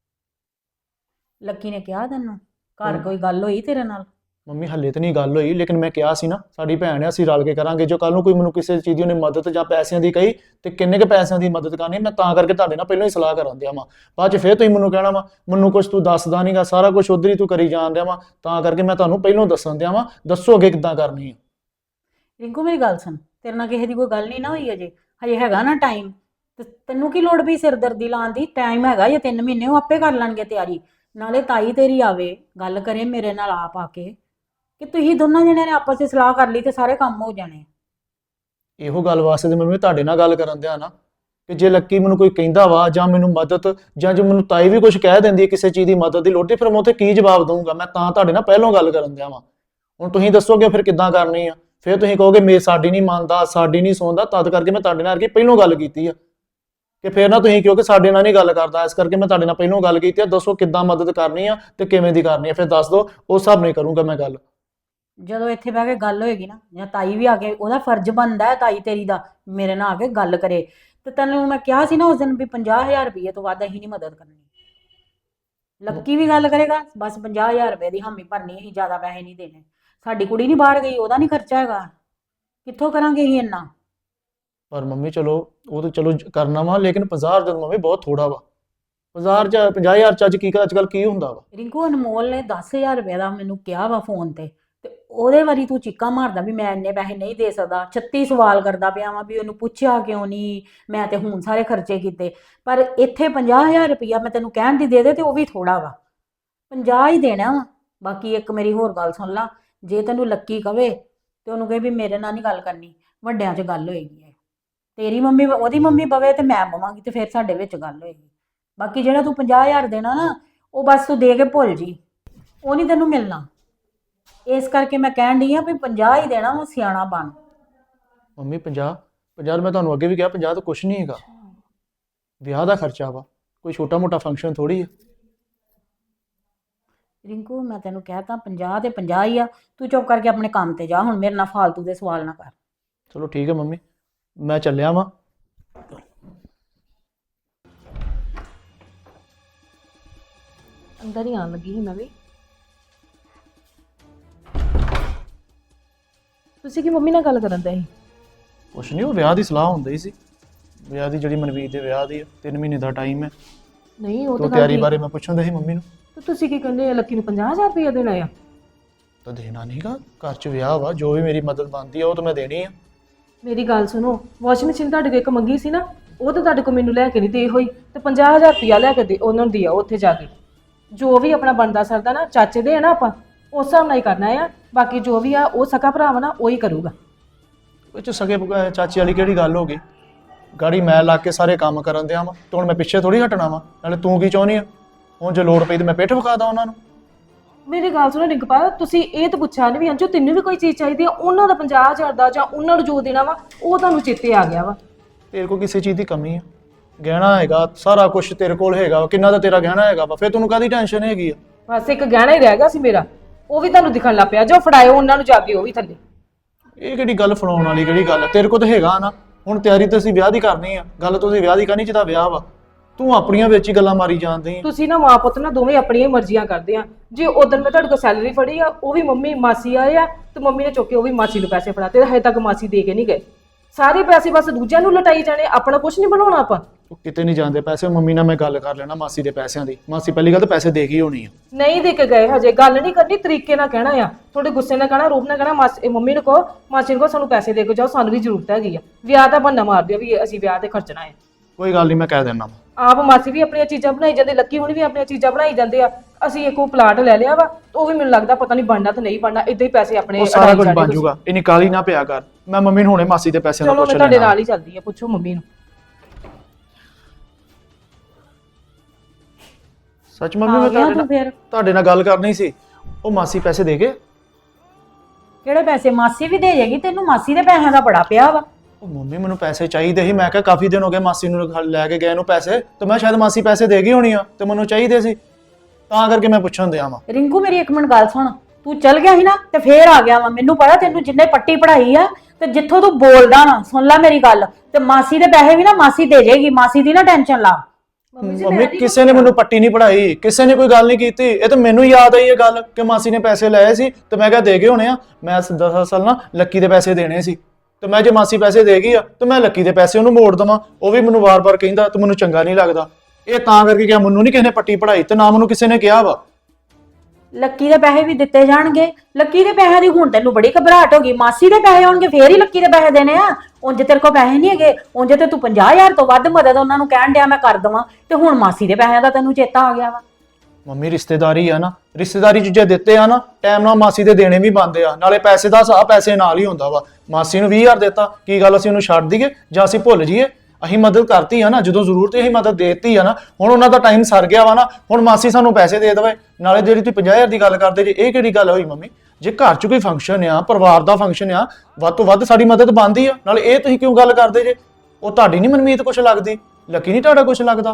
E: ਲੱਕੀ ਨੇ ਕਿਹਾ ਤੈਨੂੰ ਘਰ ਕੋਈ ਗੱਲ ਹੋਈ ਤੇਰੇ ਨਾਲ?
A: ਮੰਮੀ ਹੱਲੇ ਤਾਂ ਨਹੀਂ ਗੱਲ ਹੋਈ, ਲੇਕਿਨ ਮੈਂ ਕਿਹਾ ਸੀ ਨਾ, ਸਾਡੀ ਭੈਣ ਆ, ਅਸੀਂ ਰਲ ਕੇ ਕਰਾਂਗੇ। ਜੋ ਕੱਲ ਨੂੰ ਕੋਈ ਮੈਨੂੰ ਕਿਸੇ ਚੀਜ਼ ਦੀ ਉਹਨੇ ਮਦਦ ਜਾਂ ਪੈਸਿਆਂ ਦੀ ਕਹੀ ਤੇ ਕਿੰਨੇ ਕੁ ਪੈਸਿਆਂ ਦੀ ਮਦਦ ਕਰਨੀ, ਮੈਂ ਤਾਂ ਕਰਕੇ ਤੁਹਾਡੇ ਨਾਲ ਪਹਿਲਾਂ ਹੀ ਸਲਾਹ ਕਰਾਂ ਦਿਆਂ ਵਾਂ। ਬਾਅਦ 'ਚ ਫਿਰ ਤੁਸੀਂ ਮੈਨੂੰ ਕਹਿਣਾ ਵਾ ਮੈਨੂੰ ਕੁਝ ਤੂੰ ਦੱਸਦਾ ਨਹੀਂਗਾ, ਸਾਰਾ ਕੁਝ ਉਧਰ ਹੀ ਤੂੰ ਕਰੀ ਜਾਣ ਦਿਆਂ ਵਾਂ, ਤਾਂ ਕਰਕੇ ਮੈਂ ਤੁਹਾਨੂੰ ਪਹਿਲਾਂ ਦੱਸਣ ਦਿਆਂ ਵਾਂ। ਦੱਸੋ ਅੱਗੇ ਕਿੱਦਾਂ ਕਰਨੀ ਆ।
E: ਰਿੰਕੂ ਮੇਰੀ ਗੱਲ ਸੁਣ, ਤੇਰੇ ਨਾਲ ਕਿਸੇ ਦੀ ਕੋਈ ਗੱਲ ਨਹੀਂ ਨਾ ਹੋਈ ਅਜੇ, ਹਜੇ ਹੈਗਾ ਨਾ ਟਾਈਮ, ਤੇ ਤੈਨੂੰ ਕੀ ਲੋੜ ਪਈ ਸਿਰਦਰਦੀ ਲਾਉਣ ਦੀ? ਟਾਈਮ ਹੈਗਾ ਜਾਂ 3 ਮਹੀਨੇ, ਉਹ ਆਪੇ ਕਰ ਲੈਣਗੇ ਤਿਆਰੀ। ਨਾਲੇ ਤਾਈ ਤੇਰੀ ਆਵੇ, ਗੱਲ ਕਰੇ ਮੇਰੇ ਨਾਲ ਆਪ ਆ ਕੇ, ਕਿ ਤੁਸੀਂ ਦੋਨਾਂ ਜਣਿਆਂ ਨੇ ਆਪਸ ਵਿੱਚ ਸਲਾਹ ਕਰ ਲਈ ਤੇ ਸਾਰੇ ਕੰਮ ਹੋ ਜਾਣੇ।
A: ਇਹੋ ਗੱਲ ਵਾਸਤੇ ਤੇ ਮੰਮੀ ਤੁਹਾਡੇ ਨਾਲ ਗੱਲ ਕਰਨ ਦਿਆਂ ਨਾ, ਕਿ ਜੇ ਲੱਕੀ ਮੈਨੂੰ ਕੋਈ ਕਹਿੰਦਾ ਵਾ ਜਾਂ ਮੈਨੂੰ ਮਦਦ, ਜਾਂ ਜੇ ਮੈਨੂੰ ਤਾਈ ਵੀ ਕੁਝ ਕਹਿ ਦਿੰਦੀ ਹੈ ਕਿਸੇ ਚੀਜ਼ ਦੀ ਮਦਦ ਦੀ ਲੋੜ, ਤੇ ਫਿਰ ਮੈਂ ਉੱਥੇ ਕੀ ਜਵਾਬ ਦਊਂਗਾ? ਮੈਂ ਤਾਂ ਤੁਹਾਡੇ ਨਾਲ ਪਹਿਲਾਂ ਗੱਲ ਕਰਨ ਦਿਆਂ ਵਾਂ। ਹੁਣ ਤੁਸੀਂ ਦੱਸੋਗੇ ਫਿਰ ਕਿੱਦਾਂ ਕਰਨੀ ਆ, ਫਿਰ ਤੁਸੀਂ ਕਹੋਗੇ ਸਾਡੀ ਨਹੀਂ ਮੰਨਦਾ, ਸਾਡੀ ਨਹੀਂ ਸੁਣਦਾ, ਤਦ ਕਰਕੇ ਮੈਂ ਤੁਹਾਡੇ ਨਾਲ ਪਹਿਲਾਂ ਗੱਲ ਕੀਤੀ ਆ ਕਿ ਫਿਰ ਨਾ ਤੁਸੀਂ ਕਿਉਂਕਿ ਸਾਡੇ ਨਾਲ ਨਹੀਂ ਗੱਲ ਕਰਦਾ, ਇਸ ਕਰਕੇ ਮੈਂ ਤੁਹਾਡੇ ਨਾਲ ਪਹਿਲਾਂ ਗੱਲ ਕੀਤੀ ਆ। ਦੱਸੋ ਕਿੱਦਾਂ ਮਦਦ ਕਰਨੀ ਆ ਤੇ ਕਿਵੇਂ ਦੀ ਕਰਨੀ ਆ, ਫਿਰ ਦੱਸ ਦਿਓ, ਉਸ ਹਿਸਾਬ ਨਾਲ ਕਰੂੰਗਾ ਮੈਂ ਗੱਲ।
E: ਜਦੋਂ ਇੱਥੇ ਬਹਿ ਕੇ ਗੱਲ ਹੋਏਗੀ ਨਾ, ਜਾਂ ਤਾਈ ਵੀ ਆ ਕੇ, ਉਹਦਾ ਫਰਜ਼ ਬਣਦਾ ਹੈ ਤਾਈ ਤੇਰੀ ਦਾ ਮੇਰੇ ਨਾਲ ਆ ਕੇ ਗੱਲ ਕਰੇ, ਤੇ ਤੈਨੂੰ ਮੈਂ ਕਿਹਾ ਸੀ ਨਾ ਉਸ ਦਿਨ ਵੀ 50000 ਰੁਪਏ ਤੋਂ ਵੱਧ ਅਸੀਂ ਨਹੀਂ ਮਦਦ ਕਰਨੀ। ਲੱਕੀ ਵੀ ਗੱਲ ਕਰੇਗਾ, ਬਸ 50000 ਰੁਪਏ ਦੀ ਹਾਮੀ ਭਰਨੀ, ਅਸੀਂ ਜ਼ਿਆਦਾ ਪੈਸੇ ਨਹੀਂ ਦੇਣੇ। ਸਾਡੀ ਕੁੜੀ ਨਹੀਂ ਬਾਹਰ ਗਈ, ਉਹਦਾ ਨਹੀਂ ਖਰਚਾ ਹੈਗਾ, ਕਿੱਥੋਂ ਕਰਾਂਗੇ ਅਸੀਂ ਇੰਨਾ?
A: ਪਰ ਮੰਮੀ ਚਲੋ ਉਹ ਤਾਂ ਚਲੋ ਕਰਨਾ ਵਾ, ਲੇਕਿਨ 50,000 ਤਾਂ ਮੰਮੀ ਬਹੁਤ ਥੋੜਾ ਵਾ। 50,000 ਚ ਅੱਜ ਕੀ ਅੱਜ ਕੱਲ ਕੀ ਹੁੰਦਾ ਵਾ?
E: ਰਿੰਕੂ ਅਨਮੋਲ ਨੇ 10,000 ਰੁਪਏ ਦਾ ਮੈਨੂੰ ਕਿਹਾ ਵਾ ਫੋਨ ਤੇ ਉਹਦੇ ਵਾਰੀ ਤੂੰ ਚੀਕਾਂ ਮਾਰਦਾ ਵੀ ਮੈਂ ਇੰਨੇ ਪੈਸੇ ਨਹੀਂ ਦੇ ਸਕਦਾ। 36 ਸਵਾਲ ਕਰਦਾ ਪਿਆ ਵਾਂ ਵੀ ਉਹਨੂੰ ਪੁੱਛਿਆ ਕਿਉਂ ਨਹੀਂ, ਮੈਂ ਤੇ ਹੁਣ ਸਾਰੇ ਖਰਚੇ ਕੀਤੇ। ਪਰ ਇੱਥੇ 50,000 ਰੁਪਇਆ ਮੈਂ ਤੈਨੂੰ ਕਹਿਣ ਦੀ ਦੇ ਤੇ ਉਹ ਵੀ ਥੋੜਾ ਵਾ, 50 ਹੀ ਦੇਣਾ ਵਾ। ਬਾਕੀ ਇੱਕ ਮੇਰੀ ਹੋਰ ਗੱਲ ਸੁਣ ਲਾ, ਜੇ ਤੈਨੂੰ ਲੱਕੀ ਕਵੇ ਤੇ ਉਹਨੂੰ ਕਹੇ ਵੀ ਮੇਰੇ ਨਾਲ ਨਹੀਂ ਗੱਲ ਕਰਨੀ, ਵੱਡਿਆਂ 'ਚ ਗੱਲ ਹੋਏਗੀ। ਤੇਰੀ ਮੰਮੀ ਉਹਦੀ ਮੰਮੀ ਬਵੇ ਤੇ ਮੈਂ ਬਵਾਂਗੀ ਤੇ ਫਿਰ ਸਾਡੇ ਵਿੱਚ ਗੱਲ ਹੋਏਗੀ। ਬਾਕੀ ਜਿਹੜਾ ਤੂੰ 50,000 ਦੇਣਾ ਨਾ, ਉਹ ਬਸ ਤੂੰ ਦੇ ਕੇ ਭੁੱਲ ਜੀ, ਉਹ ਨਹੀਂ ਤੈਨੂੰ ਮਿਲਣਾ। ਇਸ ਕਰਕੇ ਮੈਂ ਕਹਿਣ ਡਈ ਆ ਵੀ 50 ਹੀ ਦੇਣਾ ਵਾ, ਸਿਆਣਾ ਬਣ।
A: ਮੰਮੀ 50 ਮੈਂ ਤੁਹਾਨੂੰ ਅੱਗੇ ਵੀ ਕਿਹਾ 50 ਤਾਂ ਕੁਛ ਨਹੀਂ ਹੈਗਾ, ਵਿਆਹ ਦਾ ਖਰਚਾ ਵਾ, ਕੋਈ ਛੋਟਾ ਮੋਟਾ ਫੰਕਸ਼ਨ ਥੋੜੀ ਹੈ।
E: ਰਿੰਕੂ ਮੈਂ ਤੈਨੂੰ ਕਹਿਤਾ 50 ਤੇ 50 ਹੀ ਆ, ਤੂੰ ਚੁੱਪ ਕਰਕੇ ਆਪਣੇ ਕੰਮ ਤੇ ਜਾ, ਹੁਣ ਮੇਰੇ ਨਾਲ ਫਾਲਤੂ ਦੇ ਸਵਾਲ ਨਾ ਕਰ।
A: ਚਲੋ ਠੀਕ ਹੈ ਮੰਮੀ, ਮੈਂ ਚੱਲਿਆ ਵਾਂ।
F: ਅੰਦਰ ਹੀ ਆਣ ਲੱਗੀ ਸੀ ਮੈਂ ਵੀ। ਤੁਸੀਂ ਕੀ ਮੰਮੀ ਨਾਲ ਗੱਲ ਕਰਨ ਦੇ ਸੀ?
A: ਕੁਛ ਨਹੀਂ, ਉਹ ਵਿਆਹ ਦੀ ਸਲਾਹ ਹੁੰਦੀ ਹੀ ਸੀ, ਵਿਆਹ ਦੀ ਜਿਹੜੀ ਮਨਵੀਰ ਦੇ ਵਿਆਹ ਦੀ 3 ਮਹੀਨੇ ਦਾ ਟਾਈਮ ਹੈ,
F: ਨਹੀਂ ਉਹ
A: ਤੋਂ
F: ਤਾਂ ਗੱਲ
A: ਤਿਆਰੀ
F: ਠੀਕ।
A: ਬਾਰੇ ਮੈਂ ਪੁੱਛਣ ਸੀ ਮੰਮੀ ਨੂੰ।
F: ਤੇ ਤੁਸੀਂ ਕੀ ਕਹਿੰਦੇ ਲੱਕੀ ਨੂੰ 50,000 ਰੁਪਏ ਦੇਣਾ ਆ?
A: ਤਾਂ ਦੇਣਾ ਨਹੀਂਗਾ, ਘਰ 'ਚ ਵਿਆਹ ਵਾ, ਜੋ ਵੀ ਮੇਰੀ ਮਦਦ ਬਣਦੀ ਆ ਉਹ ਤਾਂ ਮੈਂ ਦੇਣੀ ਆ।
F: ਮੇਰੀ ਗੱਲ ਸੁਣੋ, ਵਾਸ਼ਿੰਗ ਮਸ਼ੀਨ ਤੁਹਾਡੇ ਕੋਲ ਇੱਕ ਮੰਗੀ ਸੀ ਨਾ, ਉਹ ਤਾਂ ਤੁਹਾਡੇ ਕੋਲ ਮੈਨੂੰ ਲੈ ਕੇ ਨਹੀਂ ਦੇ ਹੋਈ, ਤੇ 50,000 ਰੁਪਇਆ ਲੈ ਕੇ ਦੇ ਉਹਨਾਂ ਨੂੰ ਦਿਆ ਉੱਥੇ ਜਾ ਕੇ। ਜੋ ਵੀ ਆਪਣਾ ਬਣਦਾ ਸਰਦਾ ਨਾ, ਚਾਚੇ ਦੇ ਆ ਨਾ, ਆਪਾਂ ਉਸ ਹਿਸਾਬ ਨਾਲ ਹੀ ਕਰਨਾ ਆ। ਬਾਕੀ ਜੋ ਵੀ ਆ ਉਹ ਸਕਾ ਭਰਾ ਵਾ ਨਾ, ਉਹ ਹੀ ਕਰੂਗਾ।
A: ਉਹ 'ਚ ਸਗੇ ਚਾਚੀ ਵਾਲੀ ਕਿਹੜੀ ਗੱਲ ਹੋ ਗਈ? ਗਾੜੀ ਮੈਂ ਲਾ ਕੇ ਸਾਰੇ ਕੰਮ ਕਰਨ ਦਿਆਂ ਵਾ, ਤੇ ਹੁਣ ਮੈਂ ਪਿੱਛੇ ਥੋੜੀ ਹਟਣਾ ਵਾ। ਨਾਲੇ ਤੂੰ ਕੀ ਚਾਹੁੰਦੀ ਆ? ਹੁਣ ਜੇ ਲੋੜ ਪਈ ਤੇ ਮੈਂ ਪਿੱਠ ਵਿਖਾਦਾ ਉਹਨਾਂ ਨੂੰ।
F: ਮੇਰੀ ਗੱਲ ਸੁਣੋ ਰਿੰਕਪਾਲ, ਤੁਸੀਂ ਇਹ ਤਾਂ ਪੁੱਛਿਆ ਨਹੀਂ ਵੀ ਅੰਜੋ ਤੈਨੂੰ ਵੀ ਕੋਈ ਚੀਜ਼ ਚਾਹੀਦੀ ਆ, ਉਹਨਾਂ ਦਾ 50,000 ਦਾ ਜਾਂ ਉਹਨਾਂ ਨੂੰ ਜੋ ਦੇਣਾ ਵਾ ਉਹ ਤੁਹਾਨੂੰ ਚੇਤੇ ਆ ਗਿਆ ਵਾ।
A: ਤੇਰੇ ਕੋਲ ਕਿਸੇ ਚੀਜ਼ ਦੀ ਕਮੀ ਆ? ਗਹਿਣਾ ਹੈਗਾ, ਸਾਰਾ ਕੁਝ ਤੇਰੇ ਕੋਲ ਹੈਗਾ, ਕਿੰਨਾ ਦਾ ਤੇਰਾ ਗਹਿਣਾ ਹੈਗਾ ਵਾ, ਫਿਰ ਤੈਨੂੰ ਕਾਹਦੀ ਟੈਨਸ਼ਨ ਹੈਗੀ ਆ?
F: ਬਸ ਇੱਕ ਗਹਿਣਾ ਹੀ ਰਹਿ ਗਿਆ ਸੀ ਮੇਰਾ, ਉਹ ਵੀ ਤੁਹਾਨੂੰ ਦਿਖਣ ਲੱਗ ਪਿਆ। ਜੋ ਫੜਾਇਓ ਉਹਨਾਂ ਨੂੰ ਜਾ ਕੇ, ਉਹ ਵੀ ਥੱਲੇ।
A: ਇਹ ਕਿਹੜੀ ਗੱਲ ਫਲਾਉਣ ਵਾਲੀ ਕਿਹੜੀ ਗੱਲ ਆ? ਤੇਰੇ ਕੋਲ ਤਾਂ ਹੈਗਾ ਨਾ। ਹੁਣ ਤਿਆਰੀ ਤਾਂ ਅਸੀਂ ਵਿਆਹ ਦੀ ਕਰਨੀ ਆ, ਗੱਲ ਤੁਸੀਂ ਵਿਆਹ ਦੀ ਕਰਨੀ ਜਿਹਦਾ ਵਿਆਹ ਵਾ, ਤੂੰ ਆਪਣੀਆਂ ਵਿੱਚ ਹੀ ਗੱਲਾਂ ਮਾਰੀ ਜਾਂਦੀ ਆ।
F: ਤੁਸੀਂ ਨਾ ਮਾਂ ਪੁੱਤ ਨਾ ਦੋਵੇਂ ਆਪਣੀਆਂ ਮਰਜ਼ੀਆਂ ਕਰਦੇ ਆ। ਜੇ ਉਦੋਂ ਮੈਂ ਤੁਹਾਡੇ ਕੋਲ ਸੈਲਰੀ ਫੜੀ ਆ, ਉਹ ਵੀ ਮੰਮੀ ਮਾਸੀ ਆਏ ਆ, ਤੇ ਮੰਮੀ ਨੇ ਚੁੱਕ ਕੇ ਉਹ ਵੀ ਮਾਸੀ ਨੂੰ ਪੈਸੇ ਫੜਾਤੇ, ਹਜੇ ਤੱਕ ਮਾਸੀ ਦੇ ਕੇ ਨਹੀਂ ਗਏ। ਸਾਰੇ ਪੈਸੇ ਬਸ ਦੂਜਿਆਂ ਨੂੰ ਲਟਾਈ ਜਾਣੇ, ਆਪਣਾ ਕੁਝ ਨਹੀਂ ਬਣਾਉਣਾ ਆਪਾਂ।
A: ਉਹ ਕਿਤੇ ਨਹੀਂ ਜਾਂਦੇ ਪੈਸੇ। ਮੰਮੀ ਨਾਲ ਮੈਂ ਗੱਲ ਕਰ ਲੈਣਾ ਮਾਸੀ ਦੇ ਪੈਸਿਆਂ ਦੀ। ਮਾਸੀ ਪਹਿਲੀ ਗੱਲ ਤਾਂ ਪੈਸੇ ਦੇ ਗਈ ਹੋਣੀ ਆ।
F: ਨਹੀਂ ਦੇ ਕੇ ਗਏ, ਹਜੇ ਗੱਲ ਨਹੀਂ ਕਰਨੀ, ਤਰੀਕੇ ਨਾਲ ਕਹਿਣਾ ਆ। ਥੋੜੇ ਗੁੱਸੇ ਨਾਲ ਕਹਿਣਾ, ਰੂਪ ਨਾਲ ਕਹਿਣਾ, ਮਾਸੀ ਮੰਮੀ ਨੂੰ ਕਹੋ, ਮਾਸੀ ਨੂੰ ਕਹੋ ਸਾਨੂੰ ਪੈਸੇ ਦੇ ਕੇ ਜਾਓ, ਸਾਨੂੰ ਵੀ ਜ਼ਰੂਰਤ ਹੈਗੀ ਆ। ਵਿਆਹ ਦਾ ਬਹਾਨਾ ਮਾਰ ਦਿਓ ਵੀ ਅਸੀਂ ਵਿਆਹ ਤੇ ਖਰਚਣਾ ਹੈ।
A: ਕੋਈ ਗੱਲ ਨਹੀਂ, ਮੈਂ ਕਹਿ ਦੇਣਾ ਵਾ।
F: ਆਪ ਮਾਸੀ ਵੀ ਆਪਣੀਆਂ ਚੀਜ਼ਾਂ ਬਣਾਈ ਜਾਂਦੇ, ਲੱਕੀ ਹੁਣ ਵੀ ਆਪਣੀਆਂ ਚੀਜ਼ਾਂ ਬਣਾਈ ਜਾਂਦੇ ਆ। ਅਸੀਂ ਇੱਕ ਉਹ ਪਲਾਟ ਲੈ ਲਿਆ ਵਾ, ਉਹ ਵੀ ਮੈਨੂੰ ਲੱਗਦਾ ਪਤਾ ਨਹੀਂ ਬਣਨਾ ਤੇ ਨਹੀਂ ਬਣਨਾ, ਇਦਾਂ ਹੀ ਪੈਸੇ ਆਪਣੇ
A: ਉਹ ਸਾਰਾ ਕੁਝ ਬਣ ਜਾਊਗਾ, ਇੰਨੀ ਕਾਹਲੀ ਨਾ ਪਿਆ ਕਰ। ਮੈਂ ਮੰਮੀ ਨੂੰ ਹੁਣੇ ਮਾਸੀ ਦੇ ਪੈਸਿਆਂ ਦਾ
F: ਚਲੋ
A: ਪੁੱਛ
F: ਮੈਂ ਤੁਹਾਡੇ
A: ਲੈਣਾ।
F: ਨਾਲ ਹੀ ਚੱਲਦੀ ਆ, ਪੁੱਛੋ ਮੰਮੀ ਨੂੰ।
A: ਸੱਚ ਮੰਮੀ, ਮੈਂ
E: ਆ ਗਿਆ
A: ਤੁਹਾਡੇ
E: ਤੂੰ
A: ਨਾਲ
E: ਫਿਰ?
A: ਤੁਹਾਡੇ ਨਾਲ ਗੱਲ ਕਰਨੀ ਸੀ। ਉਹ ਮਾਸੀ ਪੈਸੇ ਦੇ ਗਏ?
E: ਕਿਹੜੇ ਪੈਸੇ? ਮਾਸੀ ਵੀ ਦੇ ਜਾਏਗੀ ਤੈਨੂੰ, ਮਾਸੀ ਦੇ ਪੈਸਿਆਂ ਦਾ ਬੜਾ ਪਿਆ ਵਾ।
A: ਉਹ ਮੰਮੀ ਮੈਨੂੰ ਪੈਸੇ ਚਾਹੀਦੇ ਸੀ, ਮੈਂ ਕਿਹਾ ਕਾਫੀ ਦਿਨ ਹੋ ਗਏ ਮਾਸੀ ਨੂੰ ਲੈ ਕੇ ਗਏ ਨੂੰ ਪੈਸੇ, ਤੇ ਮੈਂ ਸ਼ਾਇਦ ਮਾਸੀ ਪੈਸੇ ਦੇ ਗਈ ਹੋਣੀ ਆ, ਤੇ ਮੈਨੂੰ ਚਾਹੀਦੇ ਸੀ, ਤਾਂ ਕਰਕੇ ਮੈਂ ਪੁੱਛਣ ਦਿਆ ਵਾਂ।
E: ਰਿੰਕੂ ਮੇਰੀ ਇੱਕ ਮਿੰਟ ਗੱਲ ਸੁਣ, ਤੂੰ ਚੱਲ ਗਿਆ ਸੀ ਨਾ ਤੇ ਫੇਰ ਆ ਗਿਆ ਵਾ। ਮੈਨੂੰ ਪਤਾ ਤੈਨੂੰ ਜਿੰਨੇ ਪੱਟੀ ਪੜਾਈ ਆ, ਤੇ ਜਿੱਥੋਂ ਤੂੰ ਬੋਲਦਾ ਨਾ, ਸੁਣ ਲੈ ਮੇਰੀ ਗੱਲ, ਤੇ ਮਾਸੀ ਦੇ ਪੈਸੇ ਵੀ ਨਾ ਮਾਸੀ ਦੇ ਜਾਏਗੀ, ਮਾਸੀ ਦੀ ਨਾ ਟੈਨਸ਼ਨ ਲਾ।
A: ਮੰਮੀ ਕਿਸੇ ਨੇ ਮੈਨੂੰ ਪੱਟੀ ਨਹੀਂ ਪੜਾਈ, ਕਿਸੇ ਨੇ ਕੋਈ ਗੱਲ ਨਹੀਂ ਕੀਤੀ। ਇਹ ਤਾਂ ਮੈਨੂੰ ਯਾਦ ਆਈ ਇਹ ਗੱਲ ਕਿ ਮਾਸੀ ਨੇ ਪੈਸੇ ਲਏ ਸੀ, ਤੇ ਮੈਂ ਕਿਹਾ ਦੇ ਗਏ ਹੋਣੇ ਆ। ਮੈਂ ਦਰਅਸਲ ਨਾ ਲੱਕੀ ਦੇ ਪੈਸੇ ਦੇਣੇ ਸੀ, ਤੇ ਮੈਂ ਜੇ ਮਾਸੀ ਪੈਸੇ ਦੇ ਗਈ ਆ ਤੇ ਮੈਂ ਲੱਕੀ ਦੇ ਪੈਸੇ ਉਹਨੂੰ ਮੋੜ ਦਵਾਂ। ਉਹ ਵੀ ਮੈਨੂੰ ਵਾਰ-ਵਾਰ ਕਹਿੰਦਾ, ਤੇ ਮੈਨੂੰ ਚੰਗਾ ਨਹੀਂ ਲੱਗਦਾ। ਇਹ ਤਾਂ ਕਰਕੇ ਕਿਹਾ, ਮੈਨੂੰ ਨਹੀਂ ਕਿਸੇ ਨੇ ਪੱਟੀ ਪੜਾਈ, ਤੇ ਨਾ ਮੈਨੂੰ ਕਿਸੇ ਨੇ ਕਿਹਾ ਵਾ।
E: ਲੱਕੀ ਦੇ ਪੈਸੇ ਵੀ ਦਿੱਤੇ ਜਾਣਗੇ। ਲੱਕੀ ਦੇ ਪੈਸਿਆਂ ਦੀ ਹੁਣ ਤੈਨੂੰ ਬੜੀ ਘਬਰਾਹਟ ਹੋ ਗਈ। ਮਾਸੀ ਦੇ ਪੈਸੇ ਆਉਣਗੇ ਫੇਰ ਹੀ ਲੱਕੀ ਦੇ ਪੈਸੇ ਦੇਣੇ ਆ। ਉਂਝ ਤੇਰੇ ਕੋਲ ਪੈਸੇ ਨਹੀਂ ਹੈਗੇ, ਉਂਝ ਤੇ ਤੂੰ 50,000 ਤੋਂ ਵੱਧ ਮਦਦ ਉਹਨਾਂ ਨੂੰ ਕਹਿਣ ਡਿਆ ਮੈਂ ਕਰ ਦਵਾਂ, ਤੇ ਹੁਣ ਮਾਸੀ ਦੇ ਪੈਸਿਆਂ ਦਾ ਤੈਨੂੰ ਚੇਤਾ ਆ ਗਿਆ ਵਾ।
A: ਮੰਮੀ ਰਿਸ਼ਤੇਦਾਰੀ ਆ ਨਾ, ਰਿਸ਼ਤੇਦਾਰੀ 'ਚ ਜੇ ਦਿੱਤੇ ਆ ਨਾ ਟਾਈਮ ਨਾਲ ਮਾਸੀ ਦੇ ਦੇਣੇ ਵੀ ਬਣਦੇ ਆ। ਨਾਲੇ ਪੈਸੇ ਦਾ ਹਿਸਾਬ ਪੈਸੇ ਨਾਲ ਹੀ ਹੁੰਦਾ ਵਾ। ਮਾਸੀ ਨੂੰ 20,000 ਦਿੱਤਾ, ਕੀ ਗੱਲ ਅਸੀਂ ਉਹਨੂੰ ਛੱਡ ਦਈਏ ਜਾਂ ਅਸੀਂ ਭੁੱਲ ਜਾਈਏ? ਅਸੀਂ ਮਦਦ ਕਰਤੀ ਆ ਨਾ, ਜਦੋਂ ਜ਼ਰੂਰਤ ਹੈ ਅਸੀਂ ਮਦਦ ਦੇਤੀ ਆ ਨਾ। ਹੁਣ ਉਹਨਾਂ ਦਾ ਟਾਈਮ ਸਰ ਗਿਆ ਵਾ ਨਾ, ਹੁਣ ਮਾਸੀ ਸਾਨੂੰ ਪੈਸੇ ਦੇ ਦੇਵੇ। ਨਾਲੇ ਜਿਹੜੀ ਤੁਸੀਂ 50,000 ਦੀ ਗੱਲ ਕਰਦੇ ਜੇ, ਇਹ ਕਿਹੜੀ ਗੱਲ ਹੋਈ ਮੰਮੀ? ਜੇ ਘਰ 'ਚ ਕੋਈ ਫੰਕਸ਼ਨ ਆ, ਪਰਿਵਾਰ ਦਾ ਫੰਕਸ਼ਨ ਆ, ਵੱਧ ਤੋਂ ਵੱਧ ਸਾਡੀ ਮਦਦ ਬਣਦੀ ਆ। ਨਾਲੇ ਇਹ ਤੁਸੀਂ ਕਿਉਂ ਗੱਲ ਕਰਦੇ ਜੇ? ਉਹ ਤੁਹਾਡੀ ਨਹੀਂ ਮਨਮੀਤ ਕੁਛ ਲੱਗਦੀ, ਲੱਕੀ ਨਹੀਂ ਤੁਹਾਡਾ ਕੁਛ ਲੱਗਦਾ।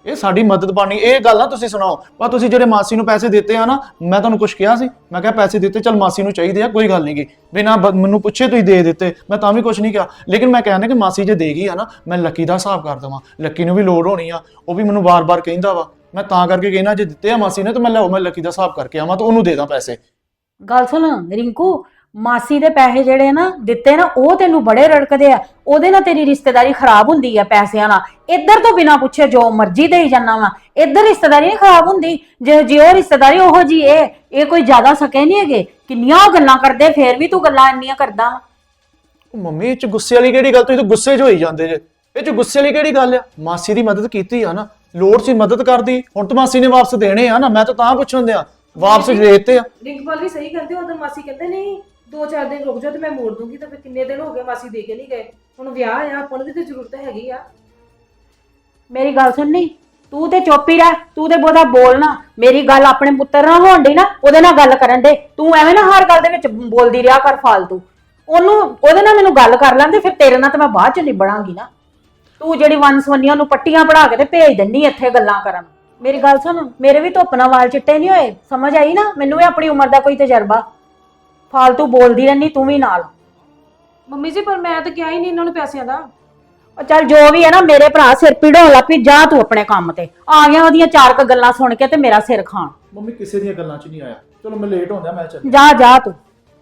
A: ਇਹ ਸਾਡੀ ਮਦਦ ਬਾਣੀ, ਇਹ ਗੱਲ ਨਾ ਤੁਸੀਂ ਸੁਣਾਓ। ਪਰ ਤੁਸੀਂ ਜਿਹੜੇ ਮਾਸੀ ਨੂੰ ਪੈਸੇ ਦਿੱਤੇ ਆ ਨਾ, ਮੈਂ ਤੁਹਾਨੂੰ ਕੁਝ ਕਿਹਾ ਸੀ? ਮੈਂ ਕਿਹਾ ਪੈਸੇ ਦਿੱਤੇ, ਚਲ ਮਾਸੀ ਨੂੰ ਚਾਹੀਦੇ ਆ, ਕੋਈ ਗੱਲ ਨਹੀਂ ਗੀ, ਬਿਨਾਂ ਮੈਨੂੰ ਪੁੱਛੇ ਤੁਸੀਂ ਦੇ ਦਿੱਤੇ, ਮੈਂ ਤਾਂ ਵੀ ਕੁਝ ਨਹੀਂ ਕਿਹਾ। ਲੇਕਿਨ ਮੈਂ ਕਹਿੰਦਾ ਕਿ ਮਾਸੀ ਜੇ ਦੇ ਗਈ ਆ ਨਾ, ਮੈਂ ਲੱਕੀ ਦਾ ਹਿਸਾਬ ਕਰ ਦੇਵਾਂ। ਲੱਕੀ ਨੂੰ ਵੀ ਲੋੜ ਹੋਣੀ ਆ, ਉਹ ਵੀ ਮੈਨੂੰ ਵਾਰ-ਵਾਰ ਕਹਿੰਦਾ ਵਾ। ਮੈਂ ਤਾਂ ਕਰਕੇ ਕਹਿਣਾ ਜੇ ਦਿੱਤੇ ਆ ਮਾਸੀ ਨੇ ਤਾਂ ਮੈਂ ਲੱਕੀ ਦਾ ਹਿਸਾਬ ਕਰਕੇ ਆਵਾਂ ਤਾਂ ਉਹਨੂੰ ਦੇ ਦਾਂ ਪੈਸੇ।
E: ਗੱਲ ਸੁਣ ਰਿੰਕੂ, ਮਾਸੀ ਦੇ ਪੈਸੇ ਜਿਹੜੇ ਨਾ ਦਿੱਤੇ ਨਾ, ਉਹ ਤੈਨੂੰ ਬੜੇ ਰੜਕਦੇ ਆ। ਉਹਦੇ ਨਾਲ ਤੇਰੀ ਰਿਸ਼ਤੇਦਾਰੀ ਖਰਾਬ ਹੁੰਦੀ ਆ ਪੈਸਿਆਂ ਨਾਲ। ਇੱਧਰ ਤੋਂ ਬਿਨਾਂ ਪੁੱਛੇ ਜੋ ਮਰਜ਼ੀ ਦੇਈ ਜਾਣਾ ਵਾ, ਇੱਧਰ ਰਿਸ਼ਤੇਦਾਰੀ ਨਹੀਂ ਖਰਾਬ ਹੁੰਦੀ। ਜੇ ਉਹ ਰਿਸ਼ਤੇਦਾਰੀ ਉਹੋ ਜੀ ਇਹ ਕੋਈ ਜ਼ਿਆਦਾ ਸਕੇ ਨਹੀਂ ਹੈਗੇ। ਕਿੰਨੀਆਂ ਉਹ ਗੱਲਾਂ ਕਰਦੇ, ਫੇਰ ਵੀ ਤੂੰ ਗੱਲਾਂ ਇੰਨੀਆਂ ਕਰਦਾ ਵਾ।
A: ਉਹ ਮੰਮੀ ਇਹ ਚ ਗੁੱਸੇ ਵਾਲੀ ਕਿਹੜੀ ਗੱਲ? ਤੁਸੀਂ ਤਾਂ ਗੁੱਸੇ 'ਚ ਹੋਈ ਜਾਂਦੇ ਜੇ। ਇਹ ਚ ਗੁੱਸੇ ਵਾਲੀ ਕਿਹੜੀ ਗੱਲ ਆ? ਮਾਸੀ ਦੀ ਮਦਦ ਕੀਤੀ ਆ ਨਾ, ਲੋੜ ਸੀ ਮਦਦ ਕਰਦੀ। ਹੁਣ ਤਾਂ ਮਾਸੀ ਨੇ ਵਾਪਸ ਦੇਣੇ ਆ ਨਾ, ਮੈਂ ਤਾਂ ਪੁੱਛਣ ਦਿਆਂ, ਵਾਪਸ ਦੇ ਦਿੱਤੇ ਆ।
F: ਰਿੰਕਪਾਲ ਵੀ ਸਹੀ ਕਹਿੰਦੇ, ਉਦੋਂ ਮਾਸੀ ਕਹਿੰਦੇ ਨਹੀਂ 2-4 ਦਿਨ ਰੁਕ ਜਾਓ ਤੇ ਮੈਂ ਮੋੜ ਦੂੰਗੀ, ਤਾਂ ਫਿਰ ਕਿੰਨੇ ਦਿਨ ਹੋ ਗਏ ਮਾਸੀ ਦੇ ਕੇ ਨਹੀਂ ਗਏ। ਹੁਣ ਵਿਆਹ ਆ, ਆਪਾਂ ਨੂੰ ਵੀ ਤੇ ਜ਼ਰੂਰਤ ਹੈਗੀ ਆ।
E: ਮੇਰੀ ਗੱਲ ਸੁਣਨੀ, ਤੂੰ ਤੇ ਚੁੱਪ ਹੀ ਰਹਿ, ਤੂੰ ਤੇ ਬਹੁਤਾ ਬੋਲਣਾ। ਮੇਰੀ ਗੱਲ ਆਪਣੇ ਪੁੱਤਰ ਨਾਲ ਹੋਣ ਡਈ ਨਾ, ਉਹਦੇ ਨਾਲ ਗੱਲ ਕਰਨ ਦੇ। ਤੂੰ ਐਵੇਂ ਨਾ ਹਰ ਗੱਲ ਦੇ ਵਿੱਚ ਬੋਲਦੀ ਰਿਹਾ ਕਰ ਫਾਲਤੂ। ਉਹਦੇ ਨਾਲ ਮੈਨੂੰ ਗੱਲ ਕਰ ਲੈਂਦੇ, ਫਿਰ ਤੇਰੇ ਨਾਲ ਤਾਂ ਮੈਂ ਬਾਅਦ ਚ ਨਿਬੜਾਂਗੀ ਨਾ। ਤੂੰ ਜਿਹੜੀ ਵੰਸਵੰਨੀਆਂ ਨੂੰ ਪੱਟੀਆਂ ਪੜਾ ਕੇ ਤੇ ਭੇਜ ਦਿੰਨੀ ਇੱਥੇ ਗੱਲਾਂ ਕਰਨ। ਮੇਰੀ ਗੱਲ ਸੁਣ, ਮੇਰੇ ਵੀ ਧੁੱਪ ਨਾਲ ਵਾਲ ਚਿੱਟੇ ਨਹੀਂ ਹੋਏ, ਸਮਝ ਆਈ ਨਾ? ਮੈਨੂੰ ਵੀ ਆਪਣੀ ਉਮਰ ਦਾ ਕੋਈ ਤਜਰਬਾ। ਫਾਲਤੂ ਬੋਲਦੀ ਰਹਿਨੀ ਤੂੰ ਵੀ ਨਾਲ।
F: ਮੰਮੀ ਜੀ ਪਰ ਮੈਂ ਤਾਂ ਕਿਹਾ ਹੀ ਨਹੀਂ ਇਹਨਾਂ ਨੂੰ ਪੈਸਿਆਂ ਦਾ।
E: ਉਹ ਚੱਲ ਜੋ ਵੀ ਹੈ ਨਾ, ਮੇਰੇ ਭਰਾ ਸਿਰ ਪੀੜੋਂ ਲੱਗ ਪਈ। ਜਾ ਤੂੰ ਆਪਣੇ ਕੰਮ ਤੇ। ਆ ਗਿਆ ਉਹਦੀਆਂ 4 ਕੁ ਗੱਲਾਂ ਸੁਣ ਕੇ ਤੇ ਮੇਰਾ ਸਿਰ ਖਾਣ।
A: ਮੰਮੀ ਕਿਸੇ ਦੀਆਂ ਗੱਲਾਂ 'ਚ ਨਹੀਂ ਆਇਆ। ਚਲੋ ਮੈਂ ਲੇਟ ਹੁੰਦਾ, ਮੈਂ ਚੱਲ।
E: ਜਾ ਤੂੰ।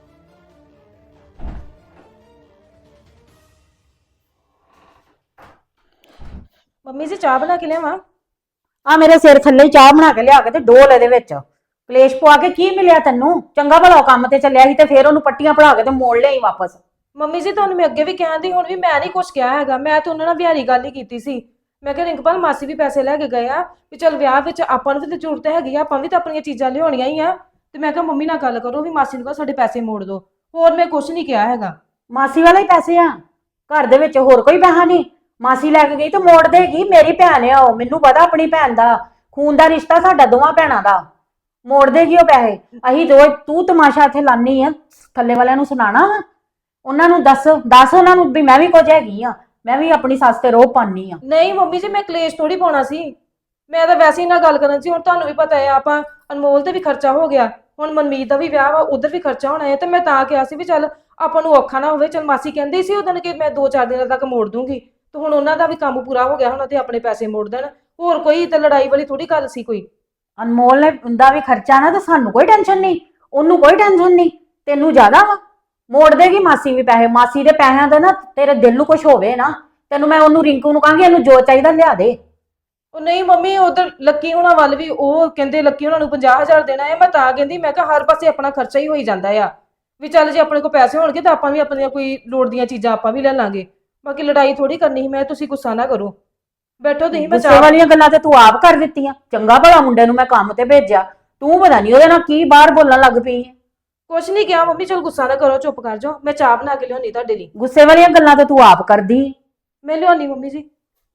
F: ਮੰਮੀ ਜੀ ਚਾਹ ਬਣਾ ਕੇ ਲਿਆਵਾਂ?
E: ਆ ਮੇਰੇ ਸਿਰ ਥੱਲੇ ਹੀ ਚਾਹ ਬਣਾ ਕੇ ਲਿਆ ਕੇ ਤੇ ਡੋਲ ਇਹਦੇ ਵਿੱਚ। ਕਲੇਸ਼ ਪਵਾ ਕੇ ਕੀ ਮਿਲਿਆ ਤੈਨੂੰ? ਚੰਗਾ ਭਲਾ ਕੰਮ ਤੇ ਚੱਲਿਆ ਸੀ ਤੇ ਫੇਰ ਉਹਨੂੰ ਪੱਟੀਆਂ ਪੜਾ ਕੇ ਤੇ ਮੋੜ ਲਿਆਈ ਵਾਪਸ।
F: ਮੰਮੀ ਜੀ ਤੁਹਾਨੂੰ ਮੈਂ ਅੱਗੇ ਵੀ ਕਹਿੰਦੀ, ਹੁਣ ਵੀ ਮੈਂ ਨਹੀਂ ਕੁਝ ਕਿਹਾ ਹੈਗਾ। ਮੈਂ ਤਾਂ ਉਹਨਾਂ ਨਾਲ ਵਿਹਾਰੀ ਗੱਲ ਹੀ ਕੀਤੀ ਸੀ। ਮੈਂ ਕਿਹਾ ਰਿੰਕਪਾਲ ਮਾਸੀ ਵੀ ਪੈਸੇ ਲੈ ਕੇ ਗਏ ਆ, ਵੀ ਚਲ ਵਿਆਹ ਵਿੱਚ ਆਪਾਂ ਨੂੰ ਵੀ ਤਾਂ ਜ਼ਰੂਰਤ ਹੈਗੀ ਆ, ਆਪਾਂ ਵੀ ਤਾਂ ਆਪਣੀਆਂ ਚੀਜ਼ਾਂ ਲਿਆਉਣੀਆਂ ਹੀ ਆ। ਤੇ ਮੈਂ ਕਿਹਾ ਮੰਮੀ ਨਾਲ ਗੱਲ ਕਰੋ ਵੀ ਮਾਸੀ ਨੂੰ ਕਹੋ ਸਾਡੇ ਪੈਸੇ ਮੋੜ ਦਿਓ। ਹੋਰ ਮੈਂ ਕੁਝ ਨਹੀਂ ਕਿਹਾ ਹੈਗਾ।
E: ਮਾਸੀ ਵਾਲੇ ਹੀ ਪੈਸੇ ਆ, ਘਰ ਦੇ ਵਿੱਚ ਹੋਰ ਕੋਈ ਪੈਸਾ ਨਹੀਂ। ਮਾਸੀ ਲੈ ਕੇ ਗਈ ਤੇ ਮੋੜ ਦੇਗੀ। ਮੇਰੀ ਭੈਣ ਆ ਉਹ, ਮੈਨੂੰ ਪਤਾ ਆਪਣੀ ਭੈਣ ਦਾ। ਖੂਨ ਦਾ ਰਿਸ਼ਤਾ ਸਾਡਾ ਦੋਵਾਂ ਭੈਣਾਂ ਦਾ। ਮੋੜ ਦੇਗੀ ਉਹ ਪੈਸੇ। ਅਸੀਂ ਰੋਜ਼ ਤੂੰ ਤਮਾਸ਼ਾ ਇੱਥੇ ਲਾਨੀ ਆ, ਥੱਲੇ ਵਾਲਿਆਂ ਨੂੰ ਸੁਣਾਣਾ ਵਾ? ਉਹਨਾਂ ਨੂੰ ਦੱਸ ਉਹਨਾਂ ਨੂੰ ਵੀ ਮੈਂ ਵੀ ਕੁਝ ਹੈਗੀ ਆ, ਮੈਂ ਵੀ ਆਪਣੀ ਸੱਸ ਤੇ ਰੋਹ ਪਾਨੀ ਆ।
F: ਨਹੀਂ ਮੰਮੀ ਜੀ ਮੈਂ ਕਲੇਸ਼ ਥੋੜੀ ਪਾਉਣਾ ਸੀ, ਮੈਂ ਤਾਂ ਵੈਸੇ ਹੀ ਨਾਲ ਗੱਲ ਕਰਨ ਸੀ। ਹੁਣ ਤੁਹਾਨੂੰ ਵੀ ਪਤਾ ਹੈ ਆਪਾਂ ਅਨਮੋਲ ਤੇ ਵੀ ਖਰਚਾ ਹੋ ਗਿਆ, ਹੁਣ ਮਨਮੀਤ ਦਾ ਵੀ ਵਿਆਹ ਵਾ, ਉਧਰ ਵੀ ਖਰਚਾ ਹੋਣਾ ਹੈ। ਤੇ ਮੈਂ ਤਾਂ ਕਿਹਾ ਸੀ ਵੀ ਚੱਲ ਆਪਾਂ ਨੂੰ ਔਖਾ ਨਾ ਹੋਵੇ। ਚੱਲ ਮਾਸੀ ਕਹਿੰਦੀ ਸੀ ਉਦੋਂ ਕਿ ਮੈਂ 2-4 ਦਿਨਾਂ ਤੱਕ ਮੋੜ ਦੂੰਗੀ, ਤੇ ਹੁਣ ਉਹਨਾਂ ਦਾ ਵੀ ਕੰਮ ਪੂਰਾ ਹੋ ਗਿਆ, ਹੁਣ ਤੇ ਆਪਣੇ ਪੈਸੇ ਮੋੜ ਦੇਣ। ਹੋਰ ਕੋਈ ਤਾਂ ਲੜਾਈ ਵਾਲੀ ਥੋੜੀ ਗੱਲ ਸੀ ਕੋਈ।
E: ਅਨਮੋਲ ਨੇ ਦਾ ਵੀ ਖਰਚਾ ਨਾ, ਤੇ ਸਾਨੂੰ ਕੋਈ ਟੈਨਸ਼ਨ ਨਹੀਂ, ਉਹਨੂੰ ਕੋਈ ਟੈਨਸ਼ਨ ਨਹੀਂ, ਤੈਨੂੰ ਜ਼ਿਆਦਾ ਵਾ। ਮੋੜ ਦੇਗੀ ਮਾਸੀ ਵੀ ਪੈਸੇ। ਮਾਸੀ ਦੇ ਪੈਸਿਆਂ ਦੇ ਨਾ ਤੇਰੇ ਦਿਲ ਨੂੰ ਕੁਝ ਹੋਵੇ ਨਾ, ਤੈਨੂੰ ਮੈਂ ਉਹਨੂੰ ਰਿੰਕੂ ਨੂੰ ਕਹਾਂਗੀ ਇਹਨੂੰ ਜੋ ਚਾਹੀਦਾ ਲਿਆ ਦੇ।
F: ਉਹ ਨਹੀਂ ਮੰਮੀ, ਉਧਰ ਲੱਕੀ ਹੋਣਾ ਵੱਲ ਵੀ ਉਹ ਕਹਿੰਦੇ ਲੱਕੀ ਹੋਣਾ ਨੂੰ 50,000 ਦੇਣਾ ਹੈ। ਮੈਂ ਤਾਂ ਕਹਿੰਦੀ, ਮੈਂ ਕਿਹਾ ਹਰ ਪਾਸੇ ਆਪਣਾ ਖਰਚਾ ਹੀ ਹੋਈ ਜਾਂਦਾ ਆ, ਵੀ ਚੱਲ ਜੇ ਆਪਣੇ ਕੋਲ ਪੈਸੇ ਹੋਣਗੇ ਤਾਂ ਆਪਾਂ ਵੀ ਆਪਣੀਆਂ ਕੋਈ ਲੋੜ ਦੀਆਂ ਚੀਜ਼ਾਂ ਆਪਾਂ ਵੀ ਲੈ ਲਾਂਗੇ। ਬਾਕੀ ਲੜਾਈ ਥੋੜੀ ਕਰਨੀ ਸੀ। ਮੈਂ ਤੁਸੀਂ ਗੁੱਸਾ ਨਾ ਕਰੋ, ਬੈਠੋ ਤੁਸੀਂ। ਮੈਂ
E: ਗੁੱਸੇ ਵਾਲੀਆਂ ਗੱਲਾਂ ਤੇ ਤੂੰ ਆਪ ਕਰ ਦਿੱਤੀਆਂ। ਚੰਗਾ ਭਲਾ ਮੁੰਡੇ ਨੂੰ ਮੈਂ ਕੰਮ ਤੇ ਭੇਜਿਆ, ਤੂੰ ਪਤਾ ਨਹੀਂ ਉਹਦੇ ਨਾਲ ਕੀ ਬਾਹਰ ਬੋਲਣ ਲੱਗ ਪਈ ਹੈ।
F: ਕੁਛ ਨਹੀਂ ਕਿਹਾ ਮੰਮੀ, ਚਲ ਗੁੱਸਾ ਨਾ ਕਰੋ, ਚੁੱਪ ਕਰ ਜਾਓ। ਮੈਂ ਚਾਹ ਬਣਾ ਕੇ ਲਿਆਉਣੀ ਤੁਹਾਡੇ ਲਈ।
E: ਗੁੱਸੇ ਵਾਲੀਆਂ ਗੱਲਾਂ ਤੇ ਤੂੰ ਆਪ ਕਰਦੀ।
F: ਮੈਂ ਲਿਆਉਣੀ ਮੰਮੀ ਜੀ।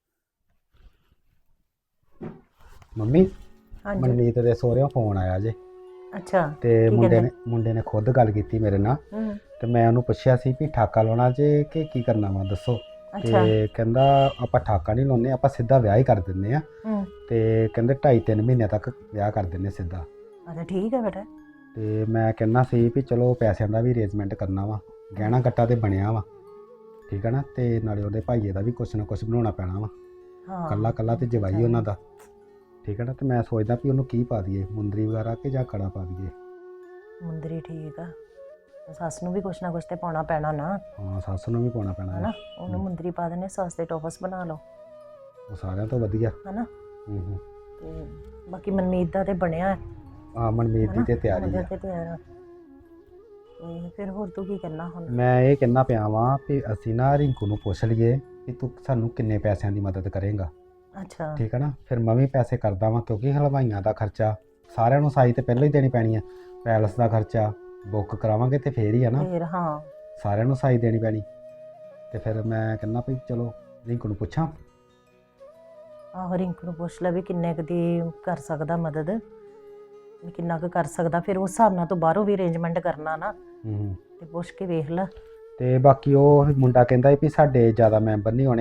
C: ਮੰਮੀ ਮਨਮੀਤ ਦੇ ਸਹੁਰਿਓਂ ਫੋਨ ਆਇਆ ਜੇ।
E: ਅੱਛਾ।
C: ਤੇ ਮੁੰਡੇ ਨੇ ਖੁਦ ਗੱਲ ਕੀਤੀ ਮੇਰੇ ਨਾਲ। ਤੇ ਮੈਂ ਉਹਨੂੰ ਪੁੱਛਿਆ ਸੀ ਵੀ ਠਾਕਾ ਲਾਉਣਾ ਜੇ ਕਿ ਕੀ ਕਰਨਾ ਵਾ ਦੱਸੋ। ਤੇ ਕਹਿੰਦਾ ਆਪਾਂ ਠਾਕਾ ਨਹੀਂ ਲਾਉਂਦੇ, ਆਪਾਂ ਸਿੱਧਾ ਵਿਆਹ ਹੀ ਕਰ ਦਿੰਦੇ ਆ। ਤੇ ਕਹਿੰਦੇ 2.5-3 ਮਹੀਨੇ ਤੱਕ ਵਿਆਹ ਕਰ ਦਿੰਦੇ ਸਿੱਧਾ।
E: ਅੱਛਾ ਠੀਕ ਹੈ ਬੇਟਾ।
C: ਤੇ ਮੈਂ ਕਹਿੰਦਾ ਸੀ ਵੀ ਚਲੋ ਪੈਸਿਆਂ ਦਾ ਵੀ ਅਰੇਂਜਮੈਂਟ ਕਰਨਾ ਵਾ, ਗਹਿਣਾ ਗੱਟਾ ਤੇ ਬਣਿਆ ਵਾ, ਠੀਕ ਹੈ ਨਾ। ਤੇ ਨਾਲੇ ਉਹਦੇ ਭਾਈਏ ਦਾ ਵੀ ਕੁਛ ਨਾ ਕੁਛ ਬਣਾਉਣਾ ਪੈਣਾ ਵਾ, ਕੱਲਾ ਤੇ ਜਵਾਈ ਉਹਨਾਂ ਦਾ, ਠੀਕ ਹੈ ਨਾ। ਤੇ ਮੈਂ ਸੋਚਦਾ ਵੀ ਉਹਨੂੰ ਕੀ ਪਾ ਦਈਏ, ਮੁੰਦਰੀ ਵਗੈਰਾ ਕਿ ਜਾਂ ਕੜਾ ਪਾ ਦਈਏ।
G: ਮੁੰਦਰੀ ਠੀਕ ਆ, ਸੱਸ ਨੂੰ ਵੀ ਕੁਛ ਨਾ ਕੁਛ ਤੇ ਪਾਉਣਾ ਪੈਣਾ ਨਾ।
C: ਹਾਂ ਸੱਸ ਨੂੰ ਵੀ ਪਾਉਣਾ ਪੈਣਾ
G: ਹਨਾ, ਉਹਨੂੰ ਮੁੰਦਰੀ ਪਾ ਦੇਣੇ, ਸੱਸ ਦੇ ਟੋਪਸ ਬਣਾ ਲਓ,
C: ਉਹ ਸਾਰਿਆਂ ਤੋਂ ਵਧੀਆ
G: ਹਨਾ। ਤੇ ਬਾਕੀ ਮਨਮੀਤ ਦਾ ਤੇ ਬਣਿਆ।
C: ਹਾਂ ਮਨਮੀਤ ਦੀ ਤੇ ਤਿਆਰੀ ਆ।
G: ਤੇ ਫਿਰ ਹੋਰ ਤੂੰ ਕੀ ਕਰਨਾ ਹੁਣ?
C: ਮੈਂ ਇਹ ਕਹਿਣਾ ਪਿਆ ਵਾਂ ਵੀ ਅਸੀਂ ਨਾ ਰਿੰਕੂ ਨੂੰ ਪੁੱਛ ਲਈਏ ਕਿ ਤੂੰ ਸਾਨੂੰ ਕਿੰਨੇ ਪੈਸਿਆਂ ਦੀ ਮਦਦ ਕਰੇਂਗਾ।
G: ਅੱਛਾ
C: ਠੀਕ ਹੈ ਨਾ। ਫਿਰ ਮੈਂ ਵੀ ਪੈਸੇ ਕਰਦਾ ਵਾਂ, ਕਿਉਂਕਿ ਹਲਵਾਈਆਂ ਦਾ ਖਰਚਾ ਸਾਰਿਆਂ ਨੂੰ ਸਾਈ ਤੇ ਪਹਿਲਾਂ ਹੀ ਦੇਣੀ ਪੈਣੀ ਆ, ਪੈਲਸ ਦਾ ਖਰਚਾ ਬੁੱਕ ਕਰਾਵਾਂਗੇ ਤੇ ਫੇਰ ਹੀ ਆ ਨਾ,
G: ਫਿਰ ਹਾਂ
C: ਸਾਰਿਆਂ ਨੂੰ ਸਾਈ ਦੇਣੀ ਪੈਣੀ। ਤੇ ਫਿਰ ਮੈਂ ਕਹਿੰਦਾ ਵੀ ਚਲੋ ਰਿੰਕੂ ਨੂੰ ਪੁੱਛਾਂ।
G: ਆਹੋ ਰਿੰਕੂ ਨੂੰ ਪੁੱਛ ਲੈ ਵੀ ਕਿੰਨੇ ਕੁ ਦੀ ਕਰ ਸਕਦਾ ਮਦਦ, ਵੀ ਕਿੰਨਾ ਕੁ ਕਰ ਸਕਦਾ। ਫਿਰ ਉਸ ਹਿਸਾਬ ਨਾਲ ਤੋਂ ਬਾਹਰੋਂ ਵੀ ਅਰੇਂਜਮੈਂਟ ਕਰਨਾ ਨਾ, ਤੇ ਪੁੱਛ ਕੇ ਵੇਖ ਲੈ।
C: ਤੇ ਬਾਕੀ ਉਹ ਮੁੰਡਾ ਕਹਿੰਦਾ ਵੀ ਸਾਡੇ ਜ਼ਿਆਦਾ ਮੈਂਬਰ ਨਹੀਂ ਹੋਣੇ,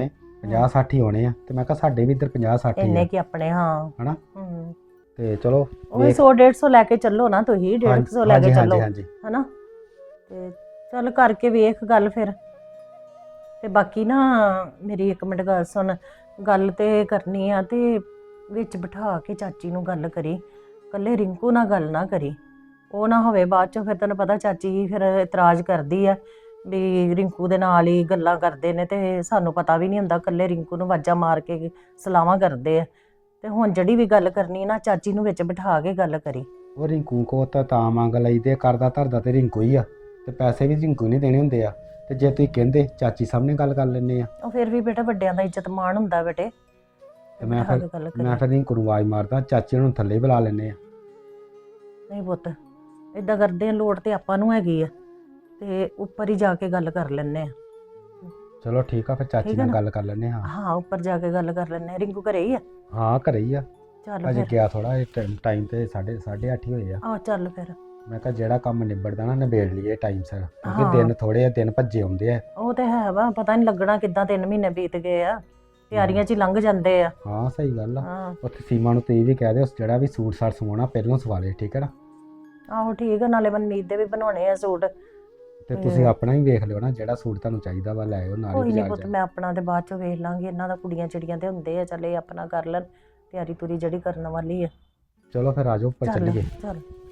C: 50 60 ਹੋਣੇ ਆ ਤੇ ਮੈਂ ਕਿਹਾ ਸਾਡੇ ਵੀ ਇੱਧਰ 50 60
G: ਇੰਨੇ
C: ਆ
G: ਕੀ ਆਪਣੇ ਹਾਂ
C: ਹਨਾ
G: ਹੂੰ
C: ਤੇ ਚਲੋ
G: ਉਹੀ 100 150 ਲੈ ਕੇ ਚੱਲੋ ਨਾ ਤੁਸੀਂ 150 ਲੈ ਕੇ ਚੱਲੋ
C: ਹਾਂਜੀ
G: ਹਨਾ ਤੇ ਚੱਲ ਕਰਕੇ ਵੇਖ ਗੱਲ ਫਿਰ ਤੇ ਬਾਕੀ ਨਾ ਮੇਰੀ ਇੱਕ ਮਿੰਟ ਗੱਲ ਸੁਣ ਗੱਲ ਤੇ ਕਰਨੀ ਆ ਤੇ ਵਿੱਚ ਬਿਠਾ ਕੇ ਚਾਚੀ ਨੂੰ ਗੱਲ ਕਰੀ ਕੱਲੇ ਰਿੰਕੂ ਨਾਲ ਗੱਲ ਨਾ ਕਰੀ ਉਹ ਨਾ ਹੋਵੇ ਬਾਅਦ ਚ ਫਿਰ ਤੈਨੂੰ ਪਤਾ ਚਾਚੀ ਫਿਰ ਇਤਰਾਜ਼ ਕਰਦੀ ਆ ਵੀ ਰਿੰਕੂ ਦੇ ਨਾਲ ਹੀ ਗੱਲਾਂ ਕਰਦੇ ਨੇ ਤੇ ਸਾਨੂੰ ਪਤਾ ਵੀ ਨਹੀਂ ਹੁੰਦਾ ਕੱਲੇ ਰਿੰਕੂ ਨੂੰ ਵਾਜਾਂ ਮਾਰ ਕੇ ਸਲਾਹਾਂ ਕਰਦੇ ਆ ਤੇ ਹੁਣ ਜਿਹੜੀ ਵੀ ਗੱਲ ਕਰਨੀ ਨਾ ਚਾਚੀ ਨੂੰ ਵਿੱਚ ਬਿਠਾ ਕੇ ਗੱਲ ਕਰੀ
C: ਉਹ ਰਿੰਕੂ ਕੋ ਤਾਂ ਮੰਗ ਲਈਦੇ ਕਰਦਾ ਧਰਦਾ ਤੇ ਰਿੰਕੂ ਹੀ ਆ ਤੇ ਪੈਸੇ ਵੀ ਰਿੰਕੂ ਨਹੀਂ ਦੇਣੇ ਹੁੰਦੇ ਆ ਤੇ ਜੇ ਤੁਸੀਂ ਕਹਿੰਦੇ ਚਾਚੀ ਸਾਹਮਣੇ ਗੱਲ ਕਰ ਲੈਂਦੇ ਆ
G: ਉਹ ਫਿਰ ਵੀ ਬੇਟਾ ਵੱਡਿਆਂ ਦਾ ਇੱਜ਼ਤ ਮਾਣ ਹੁੰਦਾ ਬੇਟੇ
C: ਤੇ ਮੈਂ
G: ਬਿਠਾ
C: ਫਿਰ
G: ਕੇ ਗੱਲ
C: ਮੈਂ
G: ਕਰੀ
C: ਫਿਰ ਰਿੰਕੂ ਨੂੰ ਆਵਾਜ਼ ਮਾਰਦਾ ਚਾਚੀ ਨੂੰ ਥੱਲੇ ਬੁਲਾ ਲੈਂਦੇ ਆ
G: ਨਹੀਂ ਪੁੱਤ ਇਦਾਂ ਕਰਦੇ ਆ ਲੋੜ ਤੇ ਆਪਾਂ ਨੂੰ ਹੈਗੀ ਆ ਤੇ ਉੱਪਰ ਹੀ ਜਾ ਕੇ ਗੱਲ ਕਰ ਲੈਣੇ ਆ
C: ਚਲੋ ਠੀਕ ਆ ਫਿਰ ਚਾਚੀ
G: ਠੀਕ ਆ
C: ਨਾਲ
G: ਨਾ?
C: ਗੱਲ ਕਰ ਲੈਂਦੇ ਹਾਂ
G: ਹਾਂ ਉੱਪਰ ਜਾ ਕੇ ਗੱਲ ਕਰ ਲੈਣੇ ਆ ਰਿੰਕੂ ਘਰੇ ਹੀ ਆ
C: ਹਾਂ ਘਰੇ ਹੀ ਆ
G: ਚੱਲ
C: ਅਜੇ
G: ਫਿਰ
C: ਗਿਆ ਥੋੜਾ ਟਾਈਮ ਤੇ 8:30 ਹੀ ਹੋਏ ਆ
G: ਆ ਚੱਲ ਫਿਰ
C: ਮੈਂ ਕਿਹਾ ਜਿਹੜਾ ਕੰਮ ਨਿਬੜਦਾ ਨਾ ਨਿਬੇੜ ਲਈਏ ਟਾਈਮ ਸਿਰ
G: ਹਾਂ।
C: ਕਿਉਂਕਿ ਦਿਨ ਥੋੜੇ ਆ ਦਿਨ ਭੱਜੇ ਆਉਂਦੇ ਆ
G: ਉਹ ਤੇ ਹੈ ਵਾ ਪਤਾ ਨਹੀਂ ਲੱਗਣਾ ਕਿੱਦਾਂ 3 ਮਹੀਨੇ ਬੀਤ ਗਏ ਆ ਤਿਆਰੀਆਂ 'ਚ ਹੀ ਲੰਘ ਜਾਂਦੇ ਆ
C: ਹਾਂ ਸਹੀ ਗੱਲ ਆ
G: ਹਾਂ
C: ਉੱਥੇ ਸੀਮਾ ਨੂੰ ਤੁਸੀਂ ਵੀ ਕਹਿ ਦਿਓ ਜਿਹੜਾ ਵੀ ਸੂਟ ਸਾਟ ਸਵਾਉਣਾ ਪਹਿਲਾਂ ਸਵਾ ਲੇ ਠੀਕ ਹੈ ਨਾ
G: ਆਹੋ ਠੀਕ ਆ ਨਾਲੇ ਮਨਮੀਤ ਦੇ ਵੀ ਬਣਾਉਣੇ ਆ ਸੂਟ
C: ਤੇ ਤੁਸੀਂ ਆਪਣਾ ਵੀ ਵੇਖ ਲਿਓ ਨਾ ਜਿਹੜਾ ਸੂਟ ਤੁਹਾਨੂੰ ਚਾਹੀਦਾ ਵਾ ਲੈ ਆਇਓ ਨਾਲ
G: ਕੋਈ
C: ਹੀ
G: ਨਹੀਂ
C: ਬਾਜ਼ਾਰ
G: ਪੁੱਤ
C: ਜਾ
G: ਮੈਂ ਆਪਣਾ ਤੇ ਬਾਅਦ 'ਚ ਵੇਖ ਲਾਂਗੀ ਇਹਨਾਂ ਦਾ ਕੁੜੀਆਂ ਚਿੜੀਆਂ ਤੇ ਹੁੰਦੇ ਆ ਚੱਲ ਇਹ ਆਪਣਾ ਕਰ ਲੈਣ ਤਿਆਰੀ ਤੁਰੀ ਜਿਹੜੀ ਕਰਨ ਵਾਲੀ ਆ
C: ਚਲੋ ਫਿਰ ਆਜੋ ਉੱਪਰ
G: ਚੱਲ
C: ਚੱਲੀਏ
G: ਚੱਲ